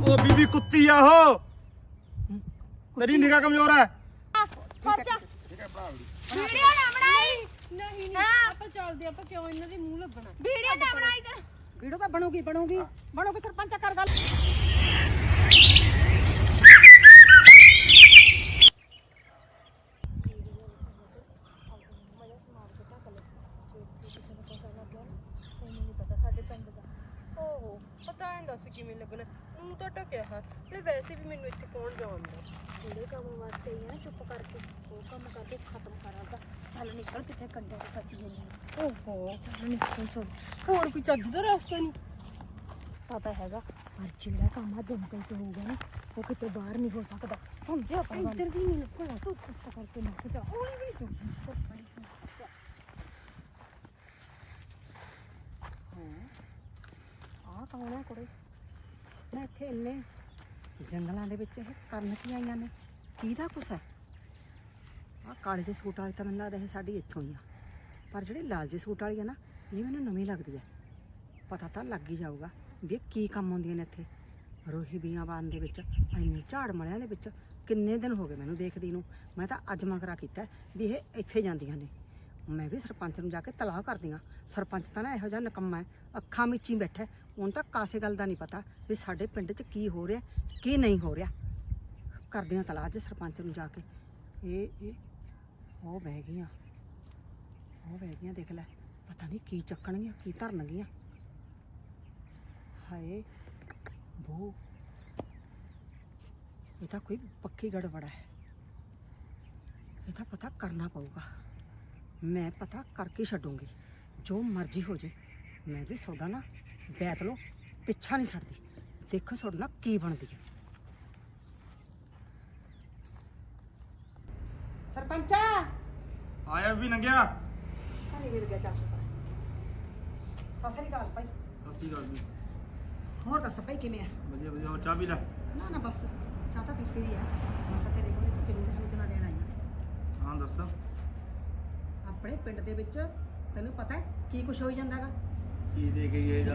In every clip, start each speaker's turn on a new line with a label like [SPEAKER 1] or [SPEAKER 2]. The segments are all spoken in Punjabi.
[SPEAKER 1] ਉਹ ਬੀਬੀ ਕੁੱਤੀ ਆ ਉਹ ਤੇਰੀ ਨਿਗਾਹ ਕਮਜ਼ੋਰ ਹੈ
[SPEAKER 2] ਖਰਚਾ ਵੀਡੀਓ ਨਾ ਬਣਾਈ ਨਹੀਂ ਆਪਾਂ ਚੱਲਦੇ ਆਪਾਂ ਕਿਉਂ ਇਹਨਾਂ ਦੇ ਮੂੰਹ ਲੱਗਣਾ ਵੀਡੀਓ ਨਾ ਬਣਾਈ ਕਰ
[SPEAKER 3] ਵੀਡੀਓ ਤਾਂ ਬਣੂਗੀ ਸਰਪੰਚ ਕਰ ਗੱਲ
[SPEAKER 2] ਪਤਾ ਨਹੀਂ ਦੱਸ ਕਿਵੇਂ ਲੱਗਣਾ ਉਹ ਤਾਂ ਟਕਿਆ ਹੈ ਤੇ ਵੈਸੇ ਵੀ ਮੈਨੂੰ ਇੱਥੇ ਕੌਣ ਜਾਣਦਾ
[SPEAKER 4] ਜਿਹੜੇ ਕੰਮ ਵਾਸਤੇ ਹੀ ਆ ਚੁੱਪ ਕਰਕੇ ਉਹ ਕੰਮ ਕਰਕੇ ਖਤਮ ਕਰਾਂਗਾ ਚੱਲ ਨਿਕਲ ਕਿੱਥੇ ਕੰਡੇ ਤੇ ਫਸੀ ਜਾਂਦੀ
[SPEAKER 2] ਓਹੋ ਚੱਲ ਨਿਕਲ ਚੱਲ ਹੋਰ ਕੋਈ ਚੱਜ ਦਾ ਰਸਤਾ ਨਹੀਂ
[SPEAKER 4] ਪਤਾ ਹੈਗਾ ਪਰ ਜਿਹੜਾ ਕੰਮ ਆ ਜੰਗਲ ਚ ਹੋਊਗਾ ਨਾ ਉਹ ਕਿਤੇ ਬਾਹਰ ਨਹੀਂ ਹੋ ਸਕਦਾ ਸਮਝਿਆ ਪਰ ਇੱਧਰ ਵੀ ਨਹੀਂ ਨਿਕਲਣਾ ਤੂੰ ਚੁੱਪ ਕਰਕੇ ਨਿਕਲ ਜਾ ਹੌਲੀ ਵੀ ਤੂੰ
[SPEAKER 3] ਆਹ ਕੌਣ ਹੈ ਕੁੜੇ ਮੈਂ ਇੱਥੇ ਇੰਨੇ ਜੰਗਲਾਂ ਦੇ ਵਿੱਚ ਇਹ ਕਰਨ ਕੀ ਆਈਆਂ ਨੇ ਕਿਹਦਾ ਕੁਛ ਹੈ ਆਹ ਕਾਲੇ ਦੇ ਸੂਟ ਵਾਲੀ ਤਾਂ ਮੈਨੂੰ ਲੱਗਦਾ ਇਹ ਸਾਡੀ ਇੱਥੋਂ ਹੀ ਆ ਪਰ ਜਿਹੜੀ ਲਾਲ ਜੇ ਸੂਟ ਵਾਲੀ ਹੈ ਨਾ ਇਹ ਮੈਨੂੰ ਨਵੀਂ ਲੱਗਦੀ ਹੈ ਪਤਾ ਤਾਂ ਲੱਗ ਹੀ ਜਾਊਗਾ ਵੀ ਇਹ ਕੀ ਕੰਮ ਆਉਂਦੀਆਂ ਨੇ ਇੱਥੇ ਰੋਹੀ ਬੀਆਬਾਨ ਦੇ ਵਿੱਚ ਇੰਨੇ ਝਾੜ ਮਲਿਆਂ ਦੇ ਵਿੱਚ ਕਿੰਨੇ ਦਿਨ ਹੋ ਗਏ ਮੈਨੂੰ ਦੇਖਦੀ ਨੂੰ ਮੈਂ ਤਾਂ ਅੱਜ ਮਗਰਾ ਕੀਤਾ ਵੀ ਇਹ ਇੱਥੇ ਜਾਂਦੀਆਂ ਨੇ ਮੈਂ ਵੀ ਸਰਪੰਚ ਨੂੰ ਜਾ ਕੇ ਤਲਾਹ ਕਰਦੀ ਹਾਂ ਸਰਪੰਚ ਤਾਂ ਨਾ ਇਹੋ ਜਿਹਾ ਨਿਕੰਮਾ ਹੈ ਅੱਖਾਂ ਮੀਚੀ ਬੈਠਾ ਉਹਨੂੰ ਤਾਂ ਕਾਸੇ ਗੱਲ ਦਾ ਨਹੀਂ ਪਤਾ ਵੀ ਸਾਡੇ ਪਿੰਡ 'ਚ ਕੀ ਹੋ ਰਿਹਾ ਕੀ ਨਹੀਂ ਹੋ ਰਿਹਾ ਕਰਦੀ ਹਾਂ ਤਲਾਹ 'ਚ ਸਰਪੰਚ ਨੂੰ ਜਾ ਕੇ ਇਹ ਉਹ ਬਹਿ ਗਈਆਂ ਦੇਖ ਲੈ ਪਤਾ ਨਹੀਂ ਕੀ ਚੱਕਣਗੀਆਂ ਕੀ ਧਰਨਗੀਆਂ ਹਾਏ ਬੋ ਇਹ ਤਾਂ ਕੋਈ ਪੱਕੀ ਗੜਬੜ ਹੈ ਇਹ ਤਾਂ ਪਤਾ ਕਰਨਾ ਪਊਗਾ ਮੈਂ ਪਤਾ ਕਰਕੇ ਛੱਡੂੰਗੀ ਜੋ ਮਰਜ਼ੀ ਹੋ ਜੇ ਮੈਂ ਵੀ ਤੁਹਾਡਾ ਨਾ ਬੈਠ ਲਓ ਪਿੱਛਾ ਨਹੀਂ ਛੱਡਦੀ ਦੇਖੋ ਤੁਹਾਡੇ ਨਾਲ ਕੀ ਬਣਦੀ ਹੈ ਸਰਪੰਚਾ
[SPEAKER 1] ਆਇਆ ਵੀ ਨੰਗਿਆ
[SPEAKER 3] ਕਾਹਦੀ ਮਿਲ ਗਿਆ ਚੱਲ ਸਤਿ ਸ੍ਰੀ ਅਕਾਲ ਭਾਈ
[SPEAKER 1] ਸੱਚੀ ਗੱਲ ਨਹੀਂ
[SPEAKER 3] ਹੋਰ ਦੱਸ ਭਾਈ ਕਿਵੇਂ ਆ
[SPEAKER 1] ਵਧੀਆ ਵਧੀਆ ਹੋਰ ਚਾਹ ਪੀ ਲੈ
[SPEAKER 3] ਨਾ ਬਸ ਚਾਹ ਤਾਂ ਪੀਤੀ ਵੀ ਆ ਮੈਂ ਤਾਂ ਤੇਰੇ ਕੋਲੇ ਤੈਨੂੰ ਵੀ ਸੂਚਨਾ ਦੇਣ ਆਈ ਹਾਂ
[SPEAKER 1] ਹਾਂ ਦੱਸ
[SPEAKER 3] ਆਪਣੇ ਪਿੰਡ ਦੇ ਵਿੱਚ ਤੈਨੂੰ ਪਤਾ ਹੈ ਕੀ ਕੁਛ ਹੋਈ ਜਾਂਦਾਗਾ
[SPEAKER 1] ਕੀ ਦੇ ਕੇ ਗਏ ਜਾ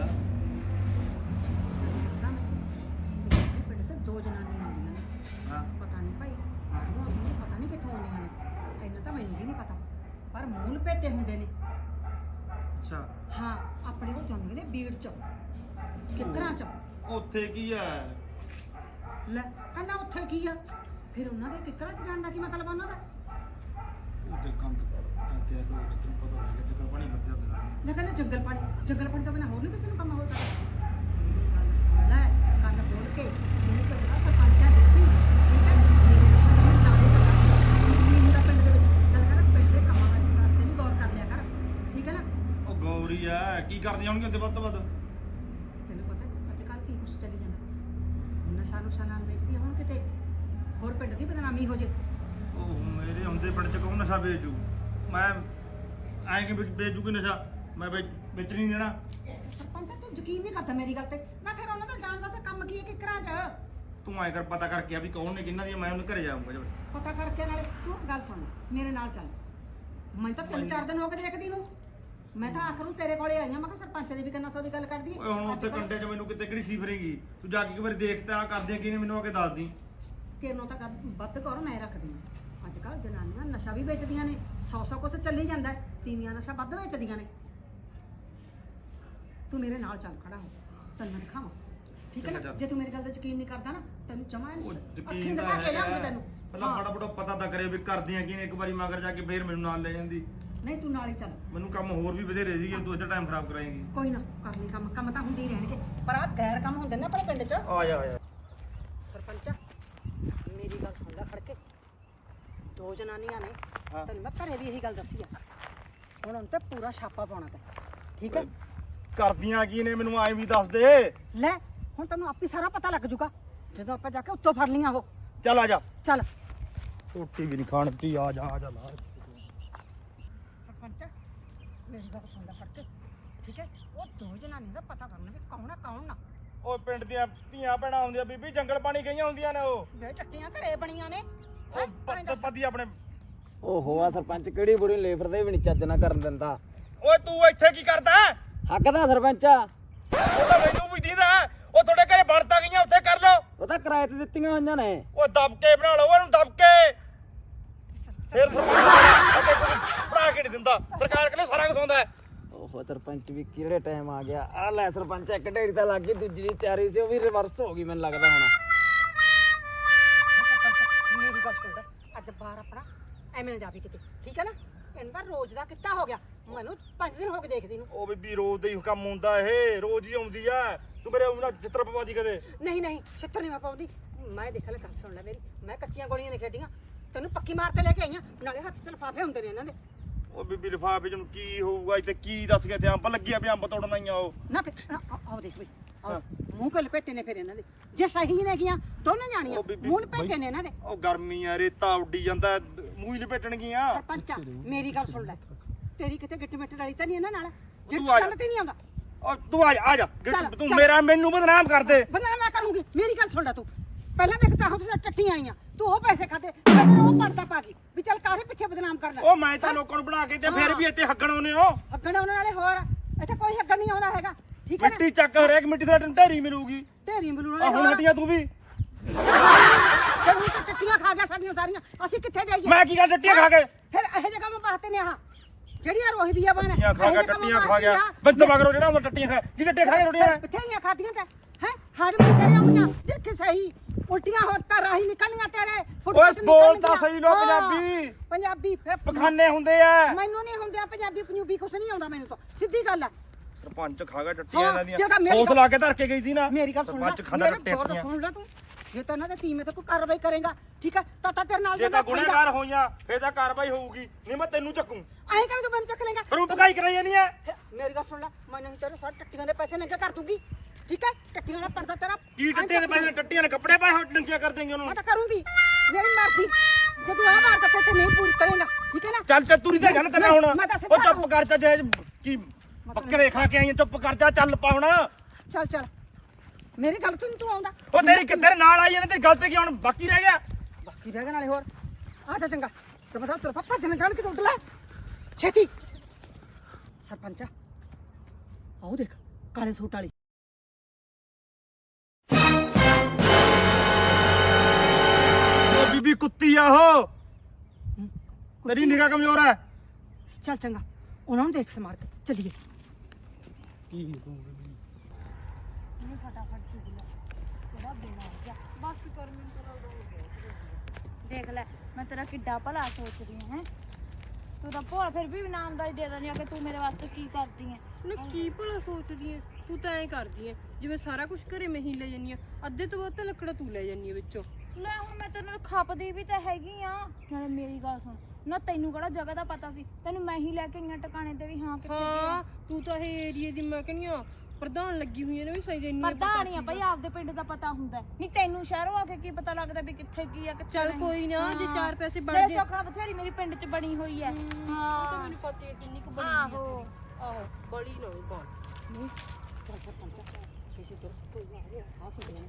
[SPEAKER 3] ਦੱਸਾਂ ਮੈਂ ਆਪਣੇ ਪਿੰਡ ਤੇ ਦੋ ਜਨਾਨੀਆਂ ਆਉਂਦੀਆਂ ਨੇ
[SPEAKER 1] ਹਾਂ
[SPEAKER 3] ਪਤਾ ਨਹੀਂ ਭਾਈ ਆਹੋ ਆਉਂਦੀਆਂ ਨੇ ਪਤਾ ਨਹੀਂ ਕਿੱਥੋਂ ਆਉਂਦੀਆਂ ਨੇ ਇੰਨਾ ਤਾਂ ਮੈਨੂੰ ਵੀ ਨਹੀਂ ਪਤਾ ਪਰ ਮੂੰਹ ਲਪੇਟੇ ਹੁੰਦੇ ਨੇ
[SPEAKER 1] ਅੱਛਾ
[SPEAKER 3] ਹਾਂ ਆਪਣੇ ਕੋਲ ਜਾਂਦੀਆਂ ਨੇ ਬੀੜ ਚ ਕਿੱਕਰਾਂ ਚ
[SPEAKER 1] ਉੱਥੇ ਕੀ ਹੈ
[SPEAKER 3] ਲੈ ਕਹਿੰਦਾ ਉੱਥੇ ਕੀ ਆ ਫਿਰ ਉਹਨਾਂ ਦੇ ਕਿੱਕਰਾਂ ਚ ਜਾਣ ਦਾ ਕੀ ਮਤਲਬ ਉਹਨਾਂ ਦਾ
[SPEAKER 1] ਉੱਥੇ ਕੰਧ ਤੇ ਲੋਕ ਤੈਨੂੰ ਪਤਾ ਲੱਗ ਗਿਆ ਜਿੱਦਾਂ ਪਾਣੀ ਫਿਰਦੇ ਉੱਥੇ ਸਾਰੇ
[SPEAKER 3] ਮੈਂ ਕਹਿੰਦਾ ਜੰਗਲ ਪਾਣੀ ਤੋਂ ਬਿਨਾਂ ਹੋਰ ਨਹੀਂ ਕਿਸੇ ਨੂੰ ਕੰਮ ਹੋ ਸਕਦਾ ਗੱਲ ਸੁਣ ਲੈ ਕੰਨ ਬੋਲ ਕੇ ਜਿਹਨੂੰ ਪਤਾ ਸਰਪੰਚਾਂ ਦਿੱਤੀ ਠੀਕ ਹੈ ਮੇਰੇ ਕੋਲ ਜਾਣੇ ਪਤਾ ਕੀ ਹੁੰਦਾ ਪਿੰਡ ਦੇ ਵਿੱਚ ਚੱਲ ਕਰ ਪਿੰਡ ਦੇ ਕੰਮਾਂ ਵਿੱਚ ਵਾਸਤੇ ਵੀ ਗੌਰ ਕਰ ਲਿਆ ਕਰ ਠੀਕ ਹੈ ਨਾ
[SPEAKER 1] ਉਹ ਗੌਰੀ ਆ ਕੀ ਕਰਦੀਆਂ ਹੋਣਗੀਆਂ ਉੱਥੇ ਵੱਧ ਤੋਂ ਵੱਧ
[SPEAKER 3] ਤੈਨੂੰ ਪਤਾ ਅੱਜ ਕੱਲ੍ਹ ਕੀ ਕੁਛ ਚੱਲੀ ਜਾਂਦਾ ਨਸ਼ਾ ਨੁਸ਼ਾ ਨਾਲ ਵੇਚਦੀ ਹੁਣ ਕਿਤੇ ਹੋਰ ਪਿੰਡ ਦੀ ਬਦਨਾਮੀ ਹੋ ਜੇ
[SPEAKER 1] ਉਹ ਮੇਰੇ ਹੁੰਦੇ ਪਿੰਡ 'ਚ ਕੌਣ ਨਸ਼ਾ ਵੇਚੂ ਮੈਂ ਐਂ ਕਿ ਵੇਚੂ ਕੋਈ ਨਸ਼ਾ ਮੈਂ ਵੇਚ ਨਹੀਂ ਦੇਣਾ
[SPEAKER 3] ਸਰਪੰਚ ਤੂੰ ਯਕੀਨ ਨਹੀਂ ਕਰਦਾ ਮੇਰੀ ਗੱਲ ਤੇ ਨਾ ਫਿਰ ਉਹਨਾਂ ਦਾ ਜਾਣਦਾ ਤੇ ਕੰਮ ਕੀ ਹੈ ਕਿਕਰਾਂ ਚ
[SPEAKER 1] ਤੂੰ ਐਂ ਕਰ ਪਤਾ ਕਰਕੇ ਆ ਵੀ ਕੌਣ ਨੇ ਕਿਹਨਾਂ ਦੀ ਮੈਂ ਉਹਨੂੰ ਘਰੇ ਜਾਊਂਗਾ ਜਦ
[SPEAKER 3] ਪਤਾ ਕਰਕੇ ਨਾਲੇ ਤੂੰ ਗੱਲ ਸੁਣ ਮੇਰੇ ਨਾਲ ਚੱਲ ਮੈਂ ਤਾਂ 3-4 ਦਿਨ ਹੋ ਗਏ ਦੇਖਦੀ ਨੂੰ ਮੈਂ ਤਾਂ ਆਖਰ ਨੂੰ ਤੇਰੇ ਕੋਲੇ ਆਈਆਂ ਮੈਂ ਕਿਹਾ ਸਰਪੰਚ ਦੀ ਵੀ ਕੰਨਾਂ ਸੌ ਦੀ ਗੱਲ ਕਰਦੀ
[SPEAKER 1] ਓਏ ਹੁਣ ਉੱਥੇ ਕੰਡੇ 'ਚ ਮੈਨੂੰ ਕਿਤੇ ਕਿਹੜੀ ਸੀ ਫਿਰੇਗੀ ਤੂੰ ਜਾ ਕੇ ਇੱਕ ਵਾਰੀ ਦੇਖ ਤਾਂ ਕਰਦੀਆਂ ਕੀ ਨੇ ਮੈਨੂੰ ਆ ਕੇ ਦੱਸ ਦੀ
[SPEAKER 3] ਤੇਰਨੋਂ ਤਾਂ ਵੱਧ ਕਰ ਮੈਂ ਰੱਖਦੀ ਹਾਂ ਅੱਜ ਕੱਲ੍ਹ ਜਨਾਨੀਆਂ ਨਸ਼ਾ ਵੀ ਵੇਚਦੀਆਂ ਨੇ 100 ਕੁਛ ਚੱਲੀ ਜਾਂਦਾ ਤੀਵੀਆਂ ਨਸ਼ਾ ਵੱਧ ਵੇਚਦੀਆਂ ਨੇ ਤੂੰ ਮੇਰੇ ਨਾਲ ਚੱਲ ਖੜਾ ਹੋ ਤੈਨੂੰ ਦਿਖਾਵਾਂ ਠੀਕ ਹੈ ਨਾ ਜੇ ਤੂੰ ਮੇਰੀ ਗੱਲ ਦਾ ਯਕੀਨ ਨਹੀਂ ਕਰਦਾ ਨਾ ਤੈਨੂੰ ਜਮਾ ਅੱਖੀਂ ਦਿਖਾ ਕੇ ਲਿਆਉਂਗੀ ਤੈਨੂੰ
[SPEAKER 1] ਪਹਿਲਾਂ ਫਟਾਫਟ ਪਤਾ ਤਾਂ ਕਰੇ ਵੀ ਕਰਦੀਆਂ ਕੀ ਨੇ ਇੱਕ ਵਾਰੀ ਮਗਰ ਜਾ ਕੇ ਫੇਰ ਮੈਨੂੰ ਨਾਲ ਲੈ ਜਾਂਦੀ
[SPEAKER 3] ਨਹੀਂ ਤੂੰ ਨਾਲ ਹੀ ਚੱਲ
[SPEAKER 1] ਮੈਨੂੰ ਕੰਮ ਹੋਰ ਵੀ ਵਧੇਰੇ ਸੀਗੇ ਤੂੰ ਇੱਧਰ ਟਾਈਮ ਖਰਾਬ ਕਰਾਏਂਗੀ
[SPEAKER 3] ਕੋਈ ਨਾ ਕਰ ਲਈ ਕੰਮ ਤਾਂ ਹੁੰਦੇ ਹੀ ਰਹਿਣਗੇ ਪਰ ਆਹ ਗੈਰ ਕੰਮ ਹੁੰਦੇ ਨੇ ਆਪਣੇ ਪਿੰਡ 'ਚ
[SPEAKER 1] ਆ ਜਾ
[SPEAKER 3] ਸਰਪੰਚਾ ਮੇਰੀ ਗੱਲ ਸੁਣ ਲੈ ਖੜ ਕੇ ਦੋ ਜਨਾਨੀਆਂ ਨੇ ਤੈਨੂੰ ਮੈਂ ਘਰੇ ਵੀ ਇਹੀ ਗੱਲ ਦੱਸੀ ਆ ਹੁਣ ਉਹਨਾਂ ਤੇ ਪੂਰਾ ਛਾਪਾ ਪਾਉਣਾ ਤੇ ਠੀਕ ਹੈ
[SPEAKER 1] ਕਰਦੀਆਂ ਕੀ ਨੇ ਮੈਨੂੰ ਐਂ ਵੀ ਦੱਸ ਦੇ
[SPEAKER 3] ਲੈ ਹੁਣ ਤੈਨੂੰ ਆਪੇ ਸਾਰਾ ਪਤਾ ਲੱਗ ਜੂਗਾ ਜਦੋਂ ਆਪਾਂ ਜਾ ਕੇ ਉੱਤੋਂ ਫੜ ਲੀਆਂ ਉਹ
[SPEAKER 1] ਚੱਲ ਆ ਜਾ
[SPEAKER 3] ਚੱਲ
[SPEAKER 1] ਰੋਟੀ ਵੀ ਨਹੀਂ ਖਾਣ ਦਿੱਤੀ ਆ ਜਾ ਲਾ
[SPEAKER 3] ਸਰਪੰਚਾ ਮੇਰੀ ਗੱਲ ਸੁਣ ਲੈ ਫੜ ਕੇ ਠੀਕ ਹੈ ਉਹ ਦੋ ਜਨਾਨੀਆਂ ਦਾ ਪਤਾ ਕਰਨਾ ਵੀ ਕੌਣ ਆ ਕੌਣ ਨਾ
[SPEAKER 1] ਉਹ ਪਿੰਡ ਦੀਆਂ ਧੀਆਂ ਭੈਣਾਂ ਆਉਂਦੀਆਂ ਬੀਬੀ ਜੰਗਲ ਪਾਣੀ ਗਈਆਂ ਹੁੰਦੀਆਂ ਨੇ ਉਹ
[SPEAKER 3] ਵੇ ਟੱਟੀਆਂ ਘਰੇ ਬਣੀਆਂ ਨੇ
[SPEAKER 1] ਉਹ ਪੱਦੀ ਆਪਣੇ
[SPEAKER 5] ਓਹੋ ਆ ਸਰਪੰਚ ਕਿਹੜੀ ਬੁਰੀ ਲੇਬਰ ਦੇ ਵੀ ਨਹੀਂ ਚੱਜ ਨਾ ਕਰਨ ਦਿੰਦਾ
[SPEAKER 1] ਓਏ ਤੂੰ ਇੱਥੇ ਕੀ ਕਰਦਾ
[SPEAKER 5] ਹੱਕ ਦਾ ਸਰਪੰਚ ਆ
[SPEAKER 1] ਉਹ ਤਾਂ ਮੈਨੂੰ ਵੀ ਦੀਦਾ ਉਹ ਤੁਹਾਡੇ ਘਰੇ ਬਣਤਾ ਗਈਆਂ ਉੱਥੇ ਕਰ ਲਓ।
[SPEAKER 5] ਉਹ ਤਾਂ ਕਿਰਾਏ ਤੇ ਦਿੱਤੀਆਂ ਹੋਈਆਂ ਨੇ।
[SPEAKER 1] ਉਹ ਦਬਕੇ ਬਣਾ ਲਓ ਉਹਨੂੰ ਦਬਕੇ। ਫਿਰ ਬਣਾ ਕੇ ਨਹੀਂ ਦਿੰਦਾ ਸਰਕਾਰ ਕੋਲ ਸਾਰਾ ਕੁਝ ਹੁੰਦਾ।
[SPEAKER 5] ਓਹੋ ਸਰਪੰਚ ਵੀ ਕਿਹੜੇ ਟਾਈਮ ਆ ਗਿਆ। ਆ ਲੈ ਸਰਪੰਚ ਇੱਕ ਢੇੜੀ ਤਾਂ ਲੱਗ ਗਈ, ਦੂਜੀ ਦੀ ਤਿਆਰੀ ਸੀ ਉਹ ਵੀ ਰਿਵਰਸ ਹੋ ਗਈ ਮੈਨੂੰ ਲੱਗਦਾ ਹੁਣ।
[SPEAKER 3] ਮੇਰੀ ਗੱਲ ਸੁਣ ਲੈ, ਅੱਜ ਬਾਹਰ ਆਪਣਾ ਐਵੇਂ ਨਾ ਜਾਵੀ ਕਿਤੇ, ਠੀਕ ਹੈ ਨਾ? ਇਹਨਾਂ ਦਾ ਰੋਜ਼ ਦਾ ਕਿੱਤਾ ਹੋ ਗਿਆ, ਮੈਨੂੰ 5 ਦਿਨ ਹੋ ਗਏ ਦੇਖਦੀ ਨੂੰ।
[SPEAKER 1] ਉਹ ਬੀਬੀ ਰੋਜ਼ ਦਾ ਹੀ ਕੰਮ ਹੁੰਦਾ ਇਹ, ਰੋਜ਼ ਹੀ ਆਉਂਦੀ ਆ। ਤੂੰ ਮੇਰੇ ਉਹਨਾਂ ਚਿੱਤਰ ਪਵਾਦੀ ਕਦੇ?
[SPEAKER 3] ਨਹੀਂ ਛਿੱਤਰ ਨਹੀਂ ਮੈਂ ਪਾਉਂਦੀ। ਮੈਂ ਦੇਖ ਲੈ, ਗੱਲ ਸੁਣ ਲੈ ਮੇਰੀ, ਮੈਂ ਕੱਚੀਆਂ ਗੋਲੀਆਂ ਨਹੀਂ ਖੇਡੀਆਂ, ਤੈਨੂੰ ਪੱਕੀ ਮਾਰ ਕੇ ਲੈ ਕੇ ਆਈਆਂ, ਨਾਲੇ ਹੱਥ 'ਚ ਲਿਫਾਫੇ ਹੁੰਦੇ ਨੇ ਇਹਨਾਂ ਦੇ।
[SPEAKER 1] ਉਹ ਬੀਬੀ ਲਿਫਾਫੇ ਚ ਨੂੰ ਕੀ ਹੋਊਗਾ ਇੱਥੇ? ਕੀ ਦੱਸ ਗਿਆ ਤੇ ਅੰਬ ਲੱਗਿਆ ਵੀ ਅੰਬ ਤੋੜਨ ਆਈਆਂ ਉਹ?
[SPEAKER 3] ਨਾ ਆਓ ਦੇਖ ਬਈ, ਆਓ ਮੂੰਹ ਕੋਲ ਲਪੇਟੇ ਨੇ ਫਿਰ ਇਹਨਾਂ ਦੇ, ਜੇ ਸਹੀ ਨੇ ਗੀਆਂ ਦੋਨੇ ਜਾਣੀਆਂ,
[SPEAKER 1] ਉਹ ਬੀਬੀ
[SPEAKER 3] ਮੂੰਹ ਲਪੇਟੇ ਨੇ ਇਹਨਾਂ ਦੇ।
[SPEAKER 1] ਉਹ ਗਰਮੀ ਆ, ਰੇਤਾ ਉੱਡੀ ਜਾਂਦਾ, ਮੂੰਹ ਹੀ ਲਪੇਟਣਗੀਆਂ।
[SPEAKER 3] ਸਰਪੰਚਾ ਮੇਰੀ ਗੱਲ ਸੁਣ ਲੈ, ਤੇਰੀ ਕਿਤੇ ਗਿੱਟ ਮਿੱਟ ਵਾਲੀ ਤਾਂ ਨਹੀਂ ਇਹਨਾਂ ਨਾਲ, ਜੇ
[SPEAKER 1] ਤੂੰ ਆ ਜਾ।
[SPEAKER 3] ਗੱਲ ਤੇ ਨਹੀਂ ਆਉਂਦਾ।
[SPEAKER 1] ਉਹ ਤੂੰ ਆ ਜਾ
[SPEAKER 3] ਚੱਲ,
[SPEAKER 1] ਤੂੰ
[SPEAKER 3] ਚੱਲ।
[SPEAKER 1] ਮੈਨੂੰ ਬਦਨਾਮ ਕਰ ਦੇ।
[SPEAKER 3] ਬਦਨਾਮ ਮੈਂ ਕਰੂੰਗੀ, ਮੇਰੀ ਗੱਲ ਸੁਣ ਲੈ ਤੂੰ। ਪਹਿਲਾਂ ਦੇਖਤਾ ਹੁਣ ਤੁਸੀਂ ਟੱਟੀਆਂ ਆਈਆਂ, ਤੂੰ ਉਹ ਪੈਸੇ ਖਾਦੇ, ਫਿਰ ਉਹ ਪੜਦਾ ਪਾ ਗਈ ਵੀ ਚੱਲ ਕਾਹਦੇ ਪਿੱਛੇ ਬਦਨਾਮ ਕਰਨਾ।
[SPEAKER 1] ਉਹ ਮੈਂ ਤਾਂ ਲੋਕਾਂ ਨੂੰ ਬਣਾ ਕੇ ਤੇ ਫਿਰ ਵੀ ਇੱਥੇ ਹੱਗਣ ਆਉਨੇ ਹੋ।
[SPEAKER 3] ਹੱਗਣ ਉਹਨਾਂ ਨਾਲੇ ਹੋਰ ਇੱਥੇ ਕੋਈ ਹੱਗਣ ਨਹੀਂ ਆਉਂਦਾ ਹੈਗਾ, ਠੀਕ ਹੈ ਨਾ?
[SPEAKER 1] ਮਿੱਟੀ ਚੱਕ, ਹਰੇਕ ਮਿੱਟੀ ਦਾ ਢੇਰੀ ਮਿਲੂਗੀ।
[SPEAKER 3] ਢੇਰੀ ਮਿਲੂ
[SPEAKER 1] ਆ
[SPEAKER 3] ਨਾਲੇ
[SPEAKER 1] ਹੁਣ ਹਟੀਆਂ ਤੂੰ ਵੀ।
[SPEAKER 3] ਫਿਰ ਹੁਣ ਤੂੰ ਟੱਟੀਆਂ ਖਾ ਗਿਆ ਸਾਡੀਆਂ ਸਾਰੀਆਂ, ਅਸੀਂ ਕਿੱਥੇ ਜਾਈਏ?
[SPEAKER 1] ਮੈਂ ਕੀ ਕਰ ਡੱਟੀਆਂ ਖਾ ਕੇ?
[SPEAKER 3] ਫਿਰ ਇਹੋ ਜਿਹੇ ਕੰਮ ਵਾਸਤੇ ਨੇ ਆਹ ਜਿਹੜੀਆਂ ਰੋਹੀ ਬੀਆ ਬਣ
[SPEAKER 1] ਟੱਟੀਆਂ ਖਾ ਗਿਆ, ਟੱਟੀਆਂ ਖਾ ਗਿਆ। ਬੰਦ ਮਗਰੋਂ ਜਿਹੜਾ ਹੁੰਦਾ ਟੱਟੀਆਂ ਖਾ ਕੀ ਟੱਟੀਆਂ ਖਾ ਕੇ ਰੋੜੀਆਂ?
[SPEAKER 3] ਬਥੇਰੀਆਂ ਖਾਦੀਆਂ ਤੇ ਹੈ ਹਾਜ਼ਮ ਤੇਰੇ ਆਉਂਦੀਆਂ, ਦੇਖ ਸਹੀ ਉਲਟੀਆਂ ਹੋਰ ਤਾਂ ਰਾਹੀ ਨਿਕਲਣੀਆਂ ਤੇਰੇ।
[SPEAKER 1] ਓਏ ਬੋਲ ਤਾਂ ਸਹੀ ਲੋ ਪੰਜਾਬੀ।
[SPEAKER 3] ਪੰਜਾਬੀ ਫਿਰ
[SPEAKER 1] ਪਖਾਨੇ ਹੁੰਦੇ ਆ।
[SPEAKER 3] ਮੈਨੂੰ ਨਹੀਂ ਹੁੰਦੇ ਪੰਜਾਬੀ ਪੰਜਾਬੀ ਕੁਛ ਨਹੀਂ ਆਉਂਦਾ ਮੈਨੂੰ ਤਾਂ, ਸਿੱਧੀ ਗੱਲ ਆ।
[SPEAKER 1] ਸਰਪੰਚ ਖਾ ਗਿਆ ਟੱਟੀਆਂ
[SPEAKER 3] ਹਾਂ,
[SPEAKER 1] ਇਹਨਾਂ
[SPEAKER 3] ਜੇ ਤਾਂ
[SPEAKER 1] ਦੀਆਂ।
[SPEAKER 3] ਮੇਰੀ
[SPEAKER 1] ਸੌਸ ਲਾ ਕੇ ਧਰ ਕੇ ਗਈ ਸੀ ਨਾ।
[SPEAKER 3] ਮੇਰੀ ਗੱਲ ਸੁਣ ਲੈ,
[SPEAKER 1] ਸਰਪੰਚ ਖਾਂਦਾ
[SPEAKER 3] ਮੇਰੇ
[SPEAKER 1] ਟੱਟੀਆਂ।
[SPEAKER 3] ਗੌਰ ਨਾਲ ਸੁਣ ਲੈ ਤੂੰ, ਜੇ ਤਾਂ ਇਹਨਾਂ ਦੇ ਟੀਮ ਤੇ ਕੋਈ ਕਾਰਵਾਈ ਕਰੇਗਾ, ਠੀਕ ਹੈ, ਤਾਂ ਤੇਰੇ ਨਾਲ
[SPEAKER 1] ਜੇ ਤਾਂ ਗੁਨਾਹਗਾਰ ਹੋਈਆਂ ਫੇਰ ਤਾਂ ਕਾਰਵਾਈ ਹੋਊਗੀ, ਨਹੀਂ ਮੈਂ ਤੈਨੂੰ ਚੱਕੂ।
[SPEAKER 3] ਐਂ ਕਿਵੇਂ ਤੂੰ ਮੈਨੂੰ ਚੱਕ ਲੇਗਾ?
[SPEAKER 1] ਫਿਰ ਉਹ ਪਕਾਈ ਕਰਾਈ ਨਹੀਂ ਹੈ।
[SPEAKER 3] ਮੇਰੀ ਗੱਲ ਸੁਣ ਲੈ, ਮੈਂ ਨਹੀਂ ਤੇਰੇ ਸਾਰੇ ਟੱਟੀਆਂ ਦੇ ਪੈਸੇ ਨੰਗੇ ਕਰ ਦੂੰਗੀ, ਠੀਕ ਹੈ? ਟੱਟੀਆਂ ਦਾ ਪਰਦਾ ਤੇਰਾ
[SPEAKER 1] ਕੀ ਟੱਟੀਆਂ ਦੇ ਪੈਸੇ? ਟੱਟੀਆਂ ਨੇ ਕੱਪੜੇ ਪਾਏ ਹੋਏ ਡੰਗੀਆਂ ਕਰ ਦੇਂਗੇ ਉਹਨੂੰ।
[SPEAKER 3] ਮੈਂ ਤਾਂ ਕਰੂੰਗੀ, ਮੇਰੀ ਮਰਜ਼ੀ। ਜਦੋਂ ਆਹ ਵਾਰ ਤੱਕ ਤੇ ਨਹੀਂ ਪੂਰੀ ਕਰੇਗਾ, ਠੀਕ ਹੈ ਨਾ?
[SPEAKER 1] ਚੱਲ ਚੱਲ ਤੁਰੀ ਤਾਂ ਜਾਣਾ ਤੇਰਾ ਹੁਣ।
[SPEAKER 3] ਮੈਂ ਤਾਂ
[SPEAKER 1] ਉਹ ਚੁੱਪ ਕਰ ਜਾ, ਜੇ ਕੀ ਬੱਕਰੇ ਖਾ ਕੇ ਆਈਆਂ, ਚੁੱਪ ਕਰ ਜਾ, ਚੱਲ ਪਾ ਹੁਣ।
[SPEAKER 3] ਚੱਲ ਮੇਰੀ ਗੱਲ ਤੋਂ ਨੀ ਤੂੰ ਆਉਂਦਾ।
[SPEAKER 1] ਉਹ ਤੇਰੀ ਤੇਰੇ ਨਾਲ ਆਈ ਨੇ, ਤੇਰੀ ਗੱਲ ਤੇ ਕੀ ਹੁਣ ਬਾਕੀ ਰਹਿ ਗਿਆ?
[SPEAKER 3] ਬਾਕੀ ਰਹਿ ਗਿਆ ਨਾਲੇ ਹੋਰ। ਆ ਜਾ ਚੰਗਾ, ਤੇ ਬਤਾ ਤੇਰਾ ਪਾਪਾ ਜਨ ਜਾਣ ਕੇ ਉੱਡ ਲੈ ਛੇਤੀ। ਸਰਪੰਚਾ ਆਓ ਦੇਖ, ਕਾਲੇ ਸੂਟ ਵਾਲੀ।
[SPEAKER 1] ਉਹ ਬੀਬੀ ਕੁੱਤੀ ਆ ਉਹ, ਤੇਰੀ ਨਿਗਾਹ ਕਮਜ਼ੋਰ ਹੈ।
[SPEAKER 3] ਚੱਲ ਚੰਗਾ, ਉਹਨਾਂ ਨੂੰ ਦੇਖ ਸਮਾਰ ਕੇ ਚੱਲੀਏ।
[SPEAKER 4] ਦੇਖ ਲੈ ਮੈਂ ਤੇਰਾ ਕਿੱਡਾ ਭਲਾ ਸੋਚਦੀ ਹਾਂ। ਤੂੰ ਤਾਂ ਭੋਰ ਫਿਰ ਵੀ ਇਨਾਮਦਾਰੀ ਦੇ ਦਿੰਦੀ ਆ ਕਿ ਤੂੰ ਮੇਰੇ ਵਾਸਤੇ ਕੀ ਕਰਦੀ ਹੈ।
[SPEAKER 2] ਨਾ ਕੀ ਭਲਾ ਸੋਚਦੀ ਐ ਤੂੰ? ਤਾਂ ਐਂ ਕਰਦੀ ਐ ਜਿਵੇਂ ਸਾਰਾ ਕੁਝ ਘਰੇ ਮੈਂ ਹੀ ਲੈ ਜੰਨੀ ਆ, ਅੱਧੇ ਤੋਂ ਵੱਧ ਤਾਂ ਲੱਕੜਾ ਤੂੰ ਲੈ ਜੰਨੀ ਆ ਵਿੱਚੋਂ।
[SPEAKER 4] ਲੈ ਹੁਣ ਮੈਂ ਤੇਰੇ ਨਾਲ ਖਪਦੀ ਵੀ ਤਾਂ ਹੈਗੀ ਆ। ਨਾਲੇ ਮੇਰੀ ਗੱਲ ਸੁਣ, ਨਾ ਤੈਨੂੰ ਕਿਹੜਾ ਜਗ੍ਹਾ ਦਾ ਪਤਾ ਸੀ? ਤੈਨੂੰ ਮੈਂ ਹੀ ਲੈ ਕੇ ਆਈਆਂ ਟਿਕਾਣੇ ਤੇ ਵੀ। ਹਾਂ ਕਿੱਥੇ
[SPEAKER 2] ਹਾਂ ਤੂੰ ਤਾਂ ਇਹ ਏਰੀਏ ਦੀ ਮੈਂ ਕਹਿੰਦੀ ਆ ਪ੍ਰਧਾਨ ਲੱਗੀ ਹੋਈ ਐ ਨਾ, ਵੀ ਸਹੀ ਜੰਨੀ ਆ
[SPEAKER 4] ਪ੍ਰਧਾਨ ਆ ਭਾਈ, ਆਪਦੇ ਪਿੰਡ ਦਾ ਪਤਾ ਹੁੰਦਾ ਨਹੀਂ। ਤੈਨੂੰ ਸ਼ਹਿਰੋਂ ਆ ਕੇ ਕੀ ਪਤਾ ਲੱਗਦਾ ਵੀ ਕਿੱਥੇ ਕੀ ਆ ਕਿੱਥੇ
[SPEAKER 2] ਚੱਲ
[SPEAKER 4] ਨਹੀਂ।
[SPEAKER 2] ਕੋਈ ਨਾ, ਜੇ 4 ਪੈਸੇ ਬਣ
[SPEAKER 4] ਮੇਰੇ
[SPEAKER 2] ਜੇ।
[SPEAKER 4] ਸੌਖਣਾ ਬਥੇਰੀ ਮੇਰੀ ਪਿੰਡ 'ਚ ਬਣੀ ਹੋਈ ਹੈ।
[SPEAKER 2] ਉਹ ਤਾਂ
[SPEAKER 4] ਹਾਂ
[SPEAKER 2] ਮੈਨੂੰ ਪਤਾ ਐ ਕਿੰਨੀ ਕੁ ਬਣੀ
[SPEAKER 4] ਆਹੋ।
[SPEAKER 2] ਆਹੋ ਬੜੀ ਨਾ ਹੋਈ ਬਾਤ।
[SPEAKER 3] ਚੱਲ ਸਰਪੰਚਾ ਛੇਛੇ ਤੁਰ, ਕੋਈ ਆ ਗਿਆ ਆ ਕੀ ਦੇਣਾ।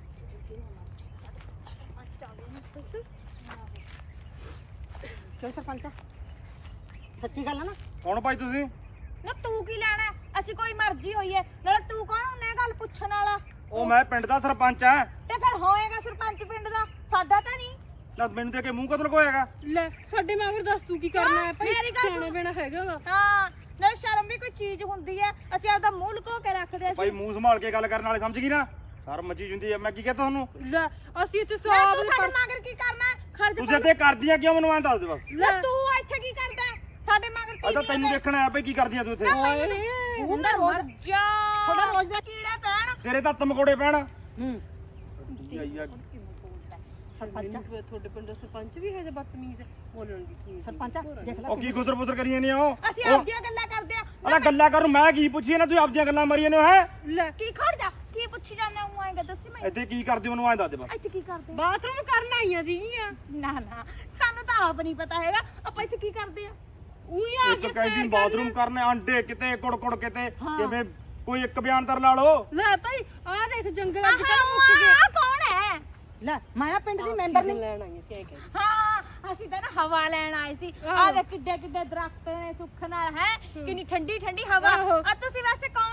[SPEAKER 3] ਚੱਲ ਸਰਪੰਚਾ, ਸੱਚੀ ਗੱਲ ਆ ਨਾ?
[SPEAKER 1] ਕੌਣ ਭਾਈ ਤੁਸੀਂ?
[SPEAKER 4] ਨਾ ਤੂੰ ਕੀ ਲੈਣਾ? ਅਸੀਂ ਕੋਈ ਮਰਜ਼ੀ ਹੋਈ ਹੈ, ਨਾਲੇ ਤੂੰ ਕੌਣ ਹੁੰਨੇ ਗੱਲ ਪੁੱਛਣ ਵਾਲਾ?
[SPEAKER 1] ਉਹ ਮੈਂ ਪਿੰਡ ਦਾ ਸਰਪੰਚ ਆ।
[SPEAKER 4] ਤੇ ਫਿਰ ਹੋਏਗਾ ਸਰਪੰਚ ਪਿੰਡ ਦਾ, ਸਾਡਾ ਤਾਂ ਨਹੀਂ।
[SPEAKER 1] ਨਾ ਮੈਨੂੰ ਦੇ ਕੇ ਮੂੰਹ ਕਦੋਂ ਲਗੋਏਗਾ?
[SPEAKER 2] ਲੈ ਸਾਡੇ ਮਗਰ ਦੱਸ ਤੂੰ ਕੀ ਕਰਨਾ ਹੈ ਭਾਈ?
[SPEAKER 4] ਮੇਰੀ ਗੱਲ
[SPEAKER 2] ਸਿਆਣਾ ਬੈਣਾ ਹੈਗਾਗਾ।
[SPEAKER 4] ਹਾਂ ਨਾਲੇ ਸ਼ਰਮ ਵੀ ਕੋਈ ਚੀਜ਼ ਹੁੰਦੀ ਹੈ। ਅਸੀਂ ਆਪਦਾ ਮੂੰਹ ਲੁਕੋ ਕੇ ਰੱਖਦੇ
[SPEAKER 1] ਭਾਈ
[SPEAKER 4] ਅਸੀਂ।
[SPEAKER 1] ਮੂੰਹ ਸੰਭਾਲ ਕੇ ਗੱਲ ਕਰਨ ਵਾਲੇ ਸਮਝ ਗਈ ਨਾ? ਸ਼ਰਮ ਮੱਚੀ ਹੁੰਦੀ ਆ। ਮੈਂ ਕੀ ਕਹਤਾ ਤੁਹਾਨੂੰ?
[SPEAKER 2] ਲੈ ਅਸੀਂ ਇੱਥੇ
[SPEAKER 4] ਨਾ
[SPEAKER 2] ਸਵਾਬ
[SPEAKER 4] ਤੂੰ ਸਾਡੇ ਮਗਰ ਕੀ ਕਰਨਾ? ਖਰਚ
[SPEAKER 1] ਤੁਸੀਂ ਤੇ ਕਰਦੀਆਂ ਕਿਉਂ ਮੈਨੂੰ ਐਂ ਦੱਸ ਦੇ ਬਸ।
[SPEAKER 4] ਲੈ ਤੂੰ ਇੱਥੇ ਕੀ ਕਰਦਾ? ਸਾਡੇ ਮਗਰ ਕੀ
[SPEAKER 1] ਅੱਜ ਤਾਂ ਤੈਨੂੰ ਦੇਖਣਾ ਆ ਭਾਈ ਕੀ ਕਰਦੀਆਂ ਤੂੰ ਇੱਥੇ।
[SPEAKER 3] ਹੁੰਦਾ
[SPEAKER 4] ਮਰ
[SPEAKER 3] ਰੋਜ਼
[SPEAKER 4] ਜਾ।
[SPEAKER 3] ਤੁਹਾਡਾ ਰੋਜ਼ ਦਾ
[SPEAKER 4] ਕੀੜੇ ਪੈਣ।
[SPEAKER 1] ਤੇਰੇ ਤਾਂ ਤਮਕੋੜੇ ਪੈਣ।
[SPEAKER 3] ਹੂੰ
[SPEAKER 1] ਆਈ ਆ।
[SPEAKER 3] ਸਰਪੰਚਾ,
[SPEAKER 2] ਤੁਹਾਡੇ ਪਿੰਡ ਦਾ ਸਰਪੰਚ ਵੀ ਹੈ ਜੇ ਬਦਤਮੀਜ਼ ਹੈ, ਬੋਲਣ ਦੀ ਕੀ
[SPEAKER 3] ਸਰਪੰਚਾ ਦੇਖ ਲੈ
[SPEAKER 1] ਉਹ ਕੀ ਗੁਸਰ ਬੁਸਰ ਕਰੀਆਂ ਨੇ ਉਹ?
[SPEAKER 4] ਅਸੀਂ ਆਪਦੀਆਂ ਗੱਲਾਂ ਕਰਦੇ ਆ।
[SPEAKER 1] ਅਲਾ ਗੱਲਾਂ ਕਰਨ ਮੈਂ ਕੀ ਪੁੱਛੀ ਨਾ, ਤੁਸੀਂ ਆਪਦੀਆਂ ਗੱਲਾਂ ਮਾਰੀਆਂ ਨੇ ਹੈ।
[SPEAKER 2] ਲੈ
[SPEAKER 4] ਕੀ ਖੜ ਜਾ, ਕੀ ਪੁੱਛੀ ਜਾਂਦਾ ਹੂੰ? ਆਏਗਾ ਦੱਸੀ ਮੈਨੂੰ
[SPEAKER 1] ਇੱਥੇ ਕੀ ਕਰਦੇ ਮੈਨੂੰ ਐਂ ਦੱਸ ਦੇ ਬਸ।
[SPEAKER 4] ਇੱਥੇ ਕੀ ਕਰਦੇ?
[SPEAKER 2] ਬਾਥਰੂਮ ਕਰਨ ਆਈਆਂ ਸੀਗੀਆਂ।
[SPEAKER 4] ਨਾ ਸਾਨੂੰ ਤਾਂ ਆਪ ਨਹੀਂ ਪਤਾ ਹੈਗਾ ਆਪਾਂ ਇੱਥੇ ਕੀ ਕਰਦੇ ਆ।
[SPEAKER 2] ਉਹੀ ਆ
[SPEAKER 1] ਇੱਕ
[SPEAKER 2] ਕੇ
[SPEAKER 1] ਕਹਿੰਦੀ
[SPEAKER 2] ਸੈਰ
[SPEAKER 1] ਬਾਥਰੂਮ ਕਰਨੇ, ਆਂਡੇ ਕਿਤੇ ਕੁੜ ਕਿਤੇ, ਕਿਵੇਂ ਕੋਈ ਇੱਕ ਬਿਆਨ ਤਰ ਲਾ ਲਓ।
[SPEAKER 2] ਲੈ ਭਾਈ ਆ ਦੇਖ ਜੰਗਲ ਅੱਜ ਕੱਲ ਮੁੱਕ ਗਏ।
[SPEAKER 4] ਆਹ ਕੌਣ ਹੈ?
[SPEAKER 3] ਲੈ ਮਾਇਆ ਪਿੰਡ ਦੀ ਮੈਂਬਰ ਨਹੀਂ।
[SPEAKER 2] ਲੈਣ ਆਈਆਂ ਸੀ ਐ ਕਹਿੰਦੀ।
[SPEAKER 4] ਹਾਂ ਅਸੀਂ ਤਾਂ ਨਾ ਹਵਾ ਲੈਣ ਆਏ ਸੀ। ਆਹ ਦੇਖ ਕਿੱਡੇ ਕਿੱਡੇ ਦਰਖਤ ਨੇ ਸੁੱਖ ਨਾਲ ਹੈ, ਕਿੰਨੀ ਠੰਡੀ ਠੰਡੀ ਹਵਾ।
[SPEAKER 2] ਆਹੋ।
[SPEAKER 4] ਆ ਤੁਸੀਂ ਵੈਸੇ ਕੌਣ?